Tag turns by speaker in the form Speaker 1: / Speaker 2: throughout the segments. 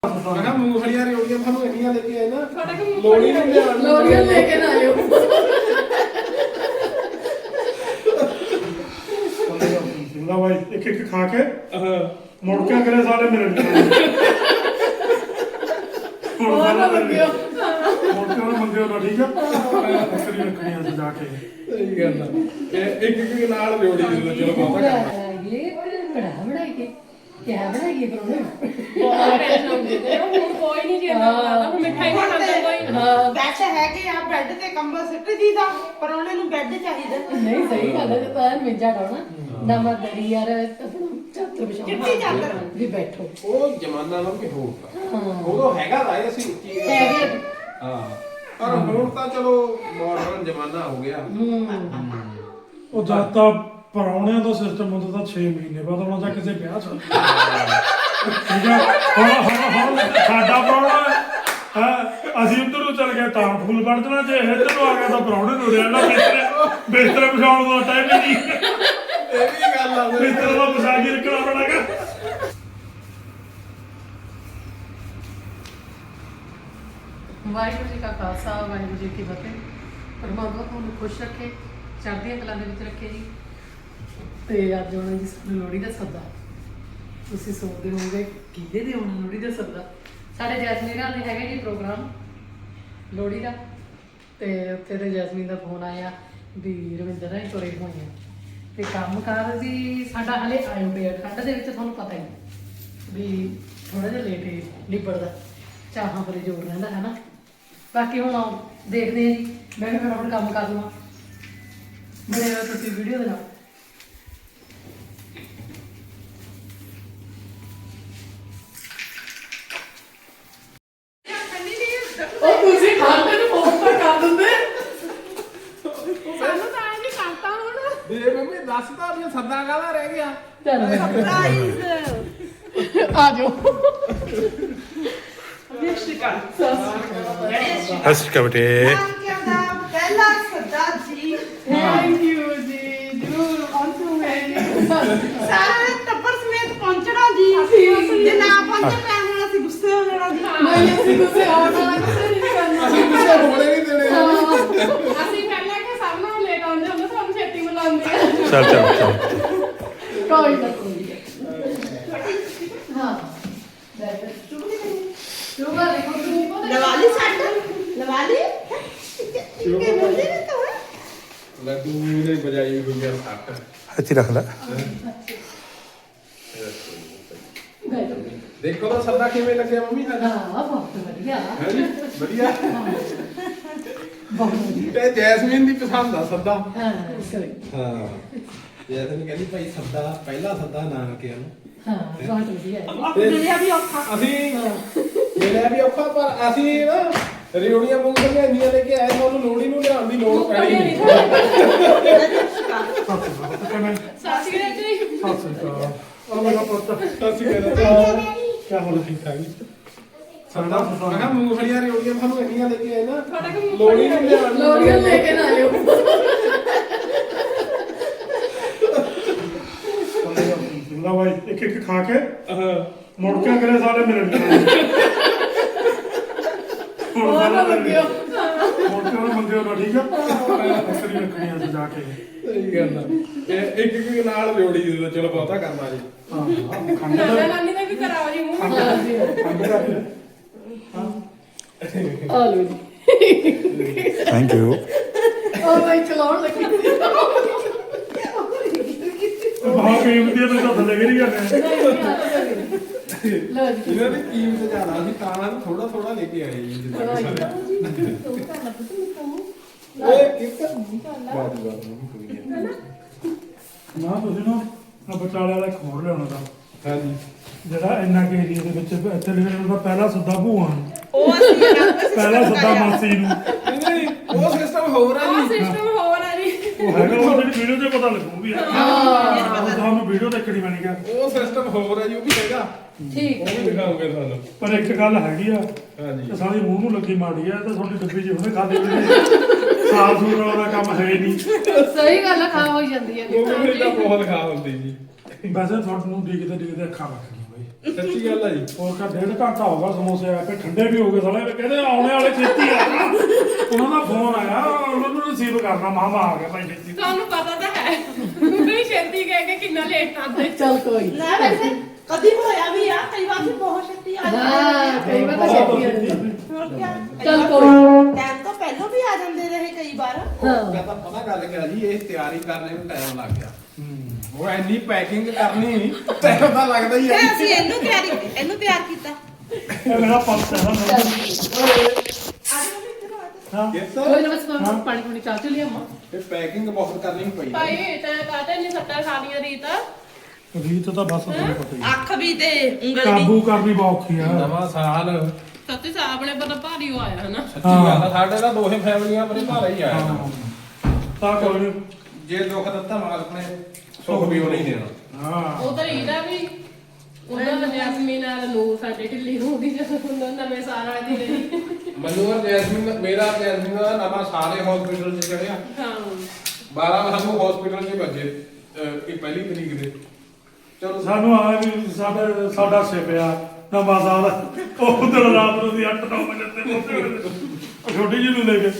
Speaker 1: ਮੈਂ ਕਿਹਾ ਮੂੰਗਫਲੀਆਂ ਰਿਓੜੀਆਂ ਤੁਹਾਨੂੰ ਇੰਨੀਆਂ ਲੈ ਕੇ ਆਏ ਨਾ ਲੋੜੀ ਨੂੰ ਲਿਆਉਣ
Speaker 2: ਲੋੜੀਆਂ ਲੈ ਕੇ ਨਾ ਆਇਓ
Speaker 3: ਲਾ ਭਾਈ ਇੱਕ ਇੱਕ ਖਾ ਕੇ ਮੁੜ ਕੇ ਕਰੇ ਸਾਰੇ ਮਿਲਣ ਹੁਣ ਸਾਰਾ ਮੰਗਿਓ ਮੁੜ ਕੇ ਮੰਗਿਓ ਨਾ ਠੀਕ ਆ ਅਸਰੀ ਰੱਖਣੀ ਆ ਜਾ ਕੇ
Speaker 1: ਸਹੀ ਗੱਲ ਆ ਇੱਕ ਇੱਕ ਨਾਲ ਰਿਓੜੀ ਦੇ ਦਿਓ, ਚਲੋ ਬਹੁਤਾ ਕਰਨਾ
Speaker 2: ਇਹ ਬੜਾ ਬਣਾਈਏ ਕਿਆ ਬਣਾਈਏ ਪਰੋਣੇ
Speaker 4: ਕੋਈ ਨਹੀਂ ਜਿਆਦਾ ਮਿਠਾਈ ਨਹੀਂ ਖਾਂਦਾ ਕੋਈ
Speaker 2: ਹਾਂ
Speaker 5: ਬੈੱਡ ਹੈਗੇ ਆ ਬੈੱਡ ਤੇ ਕੰਬਲ ਸਿੱਟ ਦੀਦਾ ਪਰ ਉਹਨੇ ਨੂੰ ਬੈੱਡ ਚਾਹੀਦਾ
Speaker 2: ਨਹੀਂ ਸਹੀ ਗੱਲ ਹੈ ਤਾਂ ਮਿੰਜਾ ਡਾਉਣਾ ਨਵਾਂ ਦਰੀ ਯਾਰ ਆਪਣਾ ਚਾਦਰ ਵਿਛਾਉਣਾ
Speaker 5: ਚਿੱਟੀ ਚਾਦਰ।
Speaker 2: ਵੀ ਬੈਠੋ
Speaker 1: ਉਹ ਜ਼ਮਾਨਾ ਨਾਲ ਕਿ ਹੋਰ ਤਾਂ ਉਦੋਂ ਹੈਗਾ ਤਾਂ ਇਹ ਅਸੀਂ ਕੀ
Speaker 2: ਹੈਗੇ
Speaker 1: ਹਾਂ ਪਰ ਹੁਣ ਤਾਂ ਚਲੋ ਮਾਡਰਨ ਜ਼ਮਾਨਾ ਹੋ ਗਿਆ
Speaker 3: ਉਹ ਜਦ ਤਾਂ ਪਰੌਣਿਆਂ ਦਾ ਸਿਸਟਮ ਹੁੰਦਾ ਤਾਂ 6 ਮਹੀਨੇ ਬਾਅਦ ਆਉਣਾ ਜਾਂ ਕਿਸੇ ਵਿਆਹ ਚ ਠੀਕ ਹੈ ਹੁਣ ਸਾਡਾ ਪਰੌਣਾ ਹੈ ਅਸੀਂ ਉੱਧਰ ਨੂੰ ਚਲ ਗਏ ਤਾਂ ਫੁੱਲ ਵੜ ਦੇਣਾ ਜੇ ਇੱਧਰ ਨੂੰ ਆ ਗਿਆ ਤਾਂ ਪਰੌਣੇ ਨੂੰ ਰਹਿਣਾ ਬਿਸਤਰੇ ਵਿਛਾਉਣ ਦਾ ਟਾਈਮ ਹੀ ਨਹੀਂ
Speaker 1: ਇਹ ਵੀ ਗੱਲ ਆ
Speaker 3: ਬਿਸਤਰੇ ਦਾ ਵਿਛਾ ਕੇ ਰੱਖਣਾ ਪੈਣਾਗਾ
Speaker 2: ਵਾਹਿਗੁਰੂ ਜੀ ਕਾ ਖਾਲਸਾ ਵਾਹਿਗੁਰੂ ਜੀ ਕੀ ਫਤਿਹ ਪਰਮਾਤਮਾ ਤੁਹਾਨੂੰ ਖੁਸ਼ ਰੱਖੇ ਚੜ੍ਹਦੀਆਂ ਕਲਾਂ ਦੇ ਵਿੱਚ ਰੱਖੇ ਜੀ ਤੇ ਅੱਜ ਆਉਣਾ ਜੀ ਸਾਨੂੰ ਲੋਹੜੀ ਦਾ ਸੱਦਾ ਤੁਸੀਂ ਸੋਚਦੇ ਹੋਵੋਗੇ ਕਿਹਦੇ ਦੇ ਆਉਣਾ ਲੋਹੜੀ ਦਾ ਸੱਦਾ ਸਾਡੇ ਜੈਸਮੀਨ ਨਾਲ ਦੇ ਹੈਗਾ ਜੀ ਪ੍ਰੋਗਰਾਮ ਲੋਹੜੀ ਦਾ ਤੇ ਉੱਥੇ ਤੇ ਜੈਸਮੀਨ ਦਾ ਫੋਨ ਆਇਆ ਵੀ ਰਵਿੰਦਰ ਨਾਲ ਤੁਰੇ ਹੋਏ ਆ ਤੇ ਕੰਮ ਕਾਰ ਵੀ ਸਾਡਾ ਹਲੇ ਆਇਓ ਪਿਆ ਠੰਡ ਦੇ ਵਿੱਚ ਤੁਹਾਨੂੰ ਪਤਾ ਹੀ ਵੀ ਥੋੜਾ ਜਿਹਾ ਲੇਟ ਹੀ ਨਿਬੜਦਾ ਚਾਹਾਂ ਪਰੇ ਜੋਰ ਰਹਿੰਦਾ ਹੈ ਨਾ ਬਾਕੀ ਹੁਣ ਦੇਖਦੇ ਹਾਂ ਜੀ ਮੈਂ ਵੀ ਫਟਾਫਟ ਕੰਮ ਕਰ ਲਵਾਂ ਬਣੇ ਰਹੋ ਤੁਸੀਂ ਵੀਡੀਓ ਦੇ ਨਾਲ ਉਹ ਤੁਸੀਂ ਖਾਂਦੇ ਨੂੰ ਫੋਨ ਤਾਂ ਕਰ ਦਿੰਦੇ
Speaker 4: ਸਾਨੂੰ ਤਾਂ ਐਂ ਨਹੀਂ ਕਰਤਾ ਹੁਣ
Speaker 1: ਦੇ ਮੰਮੀ ਦੱਸਦਾ ਵੀ ਸੱਦਾ ਕਾਹਦਾ ਰਹਿ ਗਿਆ
Speaker 2: ਚੱਲ
Speaker 5: ਸਰਪ੍ਰਾਈਜ਼
Speaker 2: ਆ ਜਾਓ
Speaker 5: ਨਿਸ਼ਚਿਤ
Speaker 3: ਸਤਿ ਸ਼੍ਰੀ ਅਕਾਲ ਬੇਟੇ
Speaker 5: ਨਾਨਕਿਆਂ ਦਾ ਪਹਿਲਾ ਸੱਦਾ ਜੀ
Speaker 2: ਥੈਂਕ ਯੂ ਜੀ ਜਰੂਰ ਪਹੁੰਚੂਗੇ
Speaker 5: ਸਾਰੇ ਟੱਬਰ ਸਮੇਤ ਪਹੁੰਚਣਾ ਜੀ ਜੇ ਨਾ ਪਹੁੰਚੇ ਤਾਂ ਹੁਣ ਅਸੀਂ ਗੁੱਸੇ ਹੋ ਜਾਣਾ ਜੀ
Speaker 2: ਨਹੀਂ ਅਸੀਂ ਗੁੱਸੇ ਆਉਣਾ ਗੁੱਸੇ ਨਹੀਂ ਕਰਨਾ
Speaker 1: ਅਸੀਂ ਕਿਸੇ ਹੋਣੇ ਨਹੀਂ ਦੇਣੇ
Speaker 4: ਅਸੀਂ ਪਹਿਲਾਂ ਕਿ ਸਭ ਨੂੰ ਲੇਟ ਆਉਂਦੇ ਹੁੰਦੇ ਸਾਨੂੰ ਛੇਤੀ ਬੁਲਾਉਂਦੇ ਆ
Speaker 3: ਚੱਲ ਚੱਲ ਚੱਲ
Speaker 2: ਕੋਈ ਨਾ ਕੋਈ ਹਾਂ ਸ਼ੁਗਰ ਦੇਖੋ ਤੁਸੀਂ ਪਤਾ
Speaker 5: ਲਵਾਲੀ ਸੱਟ ਲਵਾਲੀ ਕਿ ਬੋਲਦੇ ਨੇ ਤਾਂ
Speaker 1: ਲੱਡੂ ਨੇ ਬਜਾਈ ਹੋਈ ਆ ਸੱਟ
Speaker 3: ਇੱਥੇ ਰੱਖ ਲੈ
Speaker 1: ਦੇਖੋ ਤਾਂ ਸੱਦਾ ਕਿਵੇਂ ਲੱਗਿਆ ਮੰਮੀ ਸਾਡਾ
Speaker 2: ਹਾਂ ਬਹੁਤ ਵਧੀਆ
Speaker 1: ਹੈ ਜੀ ਵਧੀਆ
Speaker 2: ਬਹੁਤ ਵਧੀਆ
Speaker 1: ਤੇ ਜੈਸਮੀਨ ਦੀ ਪਸੰਦ ਆ ਸੱਦਾ
Speaker 2: ਹਾਂ ਕੋਈ
Speaker 1: ਹਾਂ ਜੈਸਮੀਨ ਕਹਿੰਦੀ ਭਾਈ ਸੱਦਾ ਪਹਿਲਾ ਸੱਦਾ ਨਾਨਕਿਆਂ ਨੂੰ
Speaker 2: ਹਾਂ ਬਹੁਤ ਵਧੀਆ ਹੈ
Speaker 5: ਮਿਲਿਆ ਵੀ ਔਖਾ
Speaker 1: ਅਸੀਂ ਮਿਲਿਆ ਵੀ ਔਖਾ ਪਰ ਅਸੀਂ ਨਾ ਰਿਓੜੀਆਂ ਮੂੰਗਫਲੀਆਂ ਇੰਨੀਆਂ ਲੈ ਕੇ ਆਏ ਤੁਹਾਨੂੰ ਲੋੜੀ ਨੂੰ ਲਿਆਉਣ ਦੀ ਲੋੜ ਪੈਣੀ ਨਹੀਂ
Speaker 4: ਸਾਸੀ ਦੇ ਜੀ
Speaker 3: ਸਤਿ ਸ਼੍ਰੀ ਅਕਾਲ ਆ ਮੇਰਾ ਪੁੱਤ
Speaker 1: ਅਸੀਂ ਕਹਿੰਦੇ
Speaker 3: ਕੀ ਹਾਲ ਠੀਕ ਠਾਕ ਜੀ
Speaker 1: ਸਾਡਾ ਮੈਂ ਕਿਹਾ ਮੂੰਗਫਲੀਆਂ ਰਿਓੜੀਆਂ ਤੁਹਾਨੂੰ ਇੰਨੀਆਂ ਲੈ ਕੇ ਆਏ ਨਾ
Speaker 4: ਤੁਹਾਡੇ ਕੋਲ
Speaker 1: ਲੋੜੀ ਨੂੰ ਲਿਆਉਣ
Speaker 2: ਲੋਰੀਆਂ ਲੈ ਕੇ ਨਾ ਆਇਓ
Speaker 3: ਲਾ ਭਾਈ ਇੱਕ ਇੱਕ ਖਾ ਕੇ ਮੁੜ ਕੇ ਕਰੇ ਸਾਰੇ ਮਿਲਣ ਹੁਣ ਸਾਰਾ
Speaker 2: ਮੰਗਿਓ
Speaker 3: ਮੁੜ ਕੇ ਮੰਗਿਓ ਨਾ ਠੀਕ ਆ ਅਸਰੀ ਰੱਖਣੀ ਆ ਜਾ ਕੇ
Speaker 1: ਸਹੀ ਗੱਲ ਆ ਇੱਕ ਇੱਕ ਨਾਲ ਰਿਓੜੀ ਦੇ ਦਿਓ, ਚਲੋ ਬਹੁਤਾ ਕਰਨਾ ਜੀ
Speaker 3: ਹਾਂ ਖੰਡ
Speaker 4: ਨਾਨਾ
Speaker 3: ਦਾ
Speaker 4: ਨਾਨੀ ਦਾ ਵੀ ਕਰਾਓ ਜੀ ਮੂੰਹ
Speaker 3: ਖੰਡ ਦਾ
Speaker 2: ਆ ਲੋ ਜੀ
Speaker 3: ਥੈਂਕ ਯੂ
Speaker 2: ਉਹ ਭਾਈ ਚਲਾਉਣ ਲੱਗੀ
Speaker 3: ਬਹੁਤ ਕੀਮਤੀ ਹੈ ਤਾਂ ਥੱਲੇ ਗਿਰ ਗਿਆ
Speaker 2: ਲੋ ਜੀ
Speaker 1: ਇਹਨਾਂ ਦੀ ਕੀਮਤ ਜ਼ਿਆਦਾ ਸੀ ਤਾਂ ਥੋੜਾ ਥੋੜਾ ਲੈ ਕੇ ਆਏ ਜੀ ਜਿੱਦਾਂ ਕਿ ਸਾਰੇ ਇਹ ਇੱਕ ਬਾਤ ਨਹੀਂ ਕੋਈ ਹੈ
Speaker 3: ਨਾ ਤੁਸੀਂ ਨਾ ਆ ਬਚਾਲੇ ਵਾਲਾ ਇੱਕ ਹੋਰ ਲਿਆਉਣਾ ਤਾਂ
Speaker 1: ਹਾਂਜੀ
Speaker 3: ਜਿਹੜਾ ਇੰਨਾ ਕੇ ਏਰੀਆ ਦੇ ਵਿੱਚ ਇੱਥੇ ਲਿਖਿਆ ਹੁੰਦਾ ਪਹਿਲਾ ਸੱਦਾ ਭੂਆ ਨੂੰ
Speaker 5: ਉਹ ਅਸੀਂ
Speaker 3: ਪਹਿਲਾ ਸੱਦਾ ਮਾਸੀ ਨੂੰ
Speaker 1: ਨਹੀਂ ਉਹ ਸਿਸਟਮ ਹੋਰ ਆ
Speaker 4: ਆਹ
Speaker 1: ਜੀ
Speaker 4: ਸਿਸਟਮ ਹੋਰ ਹੈ ਜੀ
Speaker 3: ਉਹ ਹੈਗਾ ਉਹ ਜਿਹੜੀ ਵੀਡੀਓ ਤੇ ਪਤਾ ਲੱਗੂ ਵੀ ਤੁਹਾਨੂੰ ਵੀਡੀਓ ਦੇਖਣੀ ਪੈਣੀ ਆ
Speaker 1: ਉਹ ਸਿਸਟਮ ਹੋਰ ਆ ਜੀ ਉਹ ਵੀ ਹੈਗਾ
Speaker 2: ਠੀਕ
Speaker 1: ਉਹ ਵੀ ਦਿਖਾਉਂਗੇ ਤੁਹਾਨੂੰ
Speaker 3: ਪਰ ਇੱਕ ਗੱਲ ਹੈਗੀ ਆ
Speaker 1: ਹਾਂਜੀ
Speaker 3: ਤੇ ਸਾਡੀ ਮੂੰਹ ਨੂੰ ਲੱਗੀ ਮਾੜੀ ਆ ਤੇ ਤੁਹਾਡੀ ਡੱਬੀ ਜੀ ਉਹਨੇ ਖਾਦੇ ਵੀ ਸਾਫ ਸੂਰ ਵਾਲਾ ਕੰਮ ਹੈ ਨਹੀਂ
Speaker 2: ਸਹੀ ਗੱਲ ਖਾ ਹੋ ਜਾਂਦੀ ਹੈ
Speaker 1: ਉਹ ਵੀ ਤਾਂ ਬਹੁਤ ਖਾ ਹੁੰਦੀ ਜੀ
Speaker 3: ਵੈਸੇ ਤੁਹਾਨੂੰ ਡਿੱਗਦੇ ਡਿੱਗਦੇ ਅੱਖਾਂ ਲੱਗ ਗਈਆਂ ਬਈ
Speaker 1: ਸੱਚੀ ਗੱਲ ਆ ਜੀ।
Speaker 3: ਹੋਰ ਕਾ 1.5 ਘੰਟਾ ਹੋ ਗਿਆ ਸਮੋਸੇ ਆਏ ਪਏ ਠੰਡੇ ਵੀ ਹੋ ਗਏ ਸਾਲੇ ਕਹਿੰਦੇ ਆਉਣੇ ਵਾਲੇ ਛੇਤੀ ਆ ਉਹਨਾਂ ਦਾ ਫੋਨ ਆਇਆ ਉਹਨਾਂ ਨੂੰ ਰਿਸੀਵ ਕਰਨਾ ਮਾਮਾ ਆ ਗਿਆ ਭਾਈ ਛੇਤੀ
Speaker 4: ਤੁਹਾਨੂੰ ਪਤਾ ਤਾਂ ਹੈ ਵੀ ਛੇਤੀ ਕਹਿ ਕੇ ਕਿੰਨਾ ਲੇਟ ਆਉਂਦੇ।
Speaker 2: ਚੱਲ ਕੋਈ ਨੀ।
Speaker 5: ਨਾ ਵੈਸੇ ਕਦੀ ਹੋਇਆ ਵੀ ਆ ਕਈ ਵਾਰ ਵੀ ਬਹੁਤ ਛੇਤੀ ਆ ਜਾਂਦੇ
Speaker 2: ਹਾਂ ਕਈ ਵਾਰ ਤਾਂ ਛੇਤੀ ਆ ਜਾਂਦੀ।
Speaker 5: ਹੋਰ ਕਿਆ
Speaker 2: ਚੱਲ ਕੋਈ
Speaker 5: ਟਾਈਮ ਤੋਂ ਪਹਿਲਾਂ ਵੀ ਆ ਜਾਂਦੇ ਰਹੇ ਕਈ ਵਾਰ
Speaker 2: ਹਾਂ
Speaker 1: ਕਹਿੰਦਾ ਪਤਾ ਗੱਲ ਕਿਆ ਜੀ, ਇਹ ਤਿਆਰੀ ਕਰਨੇ ਨੂੰ ਟਾਈਮ ਲੱਗ ਗਿਆ। ਉਹ ਇੰਨੀ ਪੈਕਿੰਗ ਕਰਨੀ ਟਾਈਮ ਤਾਂ ਲੱਗਦਾ ਹੀ
Speaker 5: ਫਿਰ
Speaker 1: ਹੈ।
Speaker 5: ਅਸੀਂ ਇਹਨੂੰ ਤਿਆਰ ਕੀਤਾ
Speaker 3: ਇਹ ਮੇਰਾ ਪੰਪ ਹੈ ਨਾ
Speaker 5: ਆ ਜਾਓ ਵੀ ਇੱਧਰ ਆ
Speaker 3: ਹਾਂ
Speaker 1: Yes
Speaker 2: ਕੋਈ
Speaker 1: sir।
Speaker 2: ਨਾ ਬਸ ਪਾਣੀ ਪੂਣੀ ਚਾਹ ਚ ਲਿਆਵਾਂ।
Speaker 1: ਇਹ ਪੈਕਿੰਗ ਬਹੁਤ ਕਰਨੀ ਪਈ ਹੈ।
Speaker 4: ਭਾਈ ਤੈਂ ਕਾਹਤੇ ਨਹੀਂ ਸੱਟਾਂ ਖਾਣੀਆਂ ਰੀਤ?
Speaker 3: ਰੀਤ ਤਾਂ ਬਸ ਤੁਹਾਨੂੰ ਪਤਾ ਹੀ ਹੈ।
Speaker 5: ਅੱਖ ਵੀ ਤੇ ਉਂਗਲ
Speaker 3: ਕਾਬੂ
Speaker 5: ਵੀ
Speaker 3: ਕਰਨੀ ਬਹੁਤ ਔਖੀ ਆ
Speaker 1: ਨਵਾਂ ਸਾਲ
Speaker 4: ਸੱਚੀ ਸਾਹਿਬ ਆਪਣੇ ਪਤਾ ਭਾਰੀ ਹੋ ਆਇਆ ਹਨਾ।
Speaker 1: ਸੱਚੀ ਗੱਲ ਆ, ਸਾਡੇ ਤਾਂ ਦੋਹੇ ਫੈਮਲੀਆਂ ਬੜੇ ਭਾਰਾ ਹੀ ਆਇਆ।
Speaker 3: ਹਾਂ ਤਾਂ ਕੋਈ ਨੀ।
Speaker 1: ਜੇ ਦੁੱਖ ਦਿੱਤਾ ਮਾਲਕ ਨੇ ਸੁੱਖ ਵੀ ਉਹ ਨਹੀਂ ਦੇਣਾ।
Speaker 3: ਹਾਂ
Speaker 4: ਉਧਰ ਇਹਦਾ ਵੀ ਉਹਨਾਂ ਦਾ ਜੈਸਮੀਨ ਨਾਲ ਨੂੰ ਸਾਡੇ ਢਿੱਲੀ ਹੁੰਦੀ ਜਦੋਂ ਨਵੇਂ ਸਾਲ ਵਾਲੇ ਦੀ ਲਈ।
Speaker 1: ਮੈਨੂੰ ਔਰ ਜੈਸਮੀਨ ਮੇਰਾ ਜੈਸਮੀਨ ਦਾ ਨਵਾਂ ਸਾਰੇ ਹਸਪੀਟਲ 'ਚ ਚੜਿਆ।
Speaker 4: ਹਾਂ
Speaker 1: 12 ਸਾਨੂੰ ਹਸਪੀਟਲ 'ਚ ਵੱਜੇ ਇਹ ਪਹਿਲੀ ਤਰੀਕ ਦੇ। ਚਲੋ
Speaker 3: ਸਾਨੂੰ ਆ ਵੀ ਸਾਡਾ ਸਿਪਿਆ ਨਵਾਂ ਸਾਲ ਉਹ ਦਿਨ ਰਾਤ ਨੂੰ ਦੀ 8-9 ਵਜੇ ਤੇ ਪਹੁੰਚੇ ਛੋਟੀ ਜੀ ਨੂੰ ਲੈ ਕੇ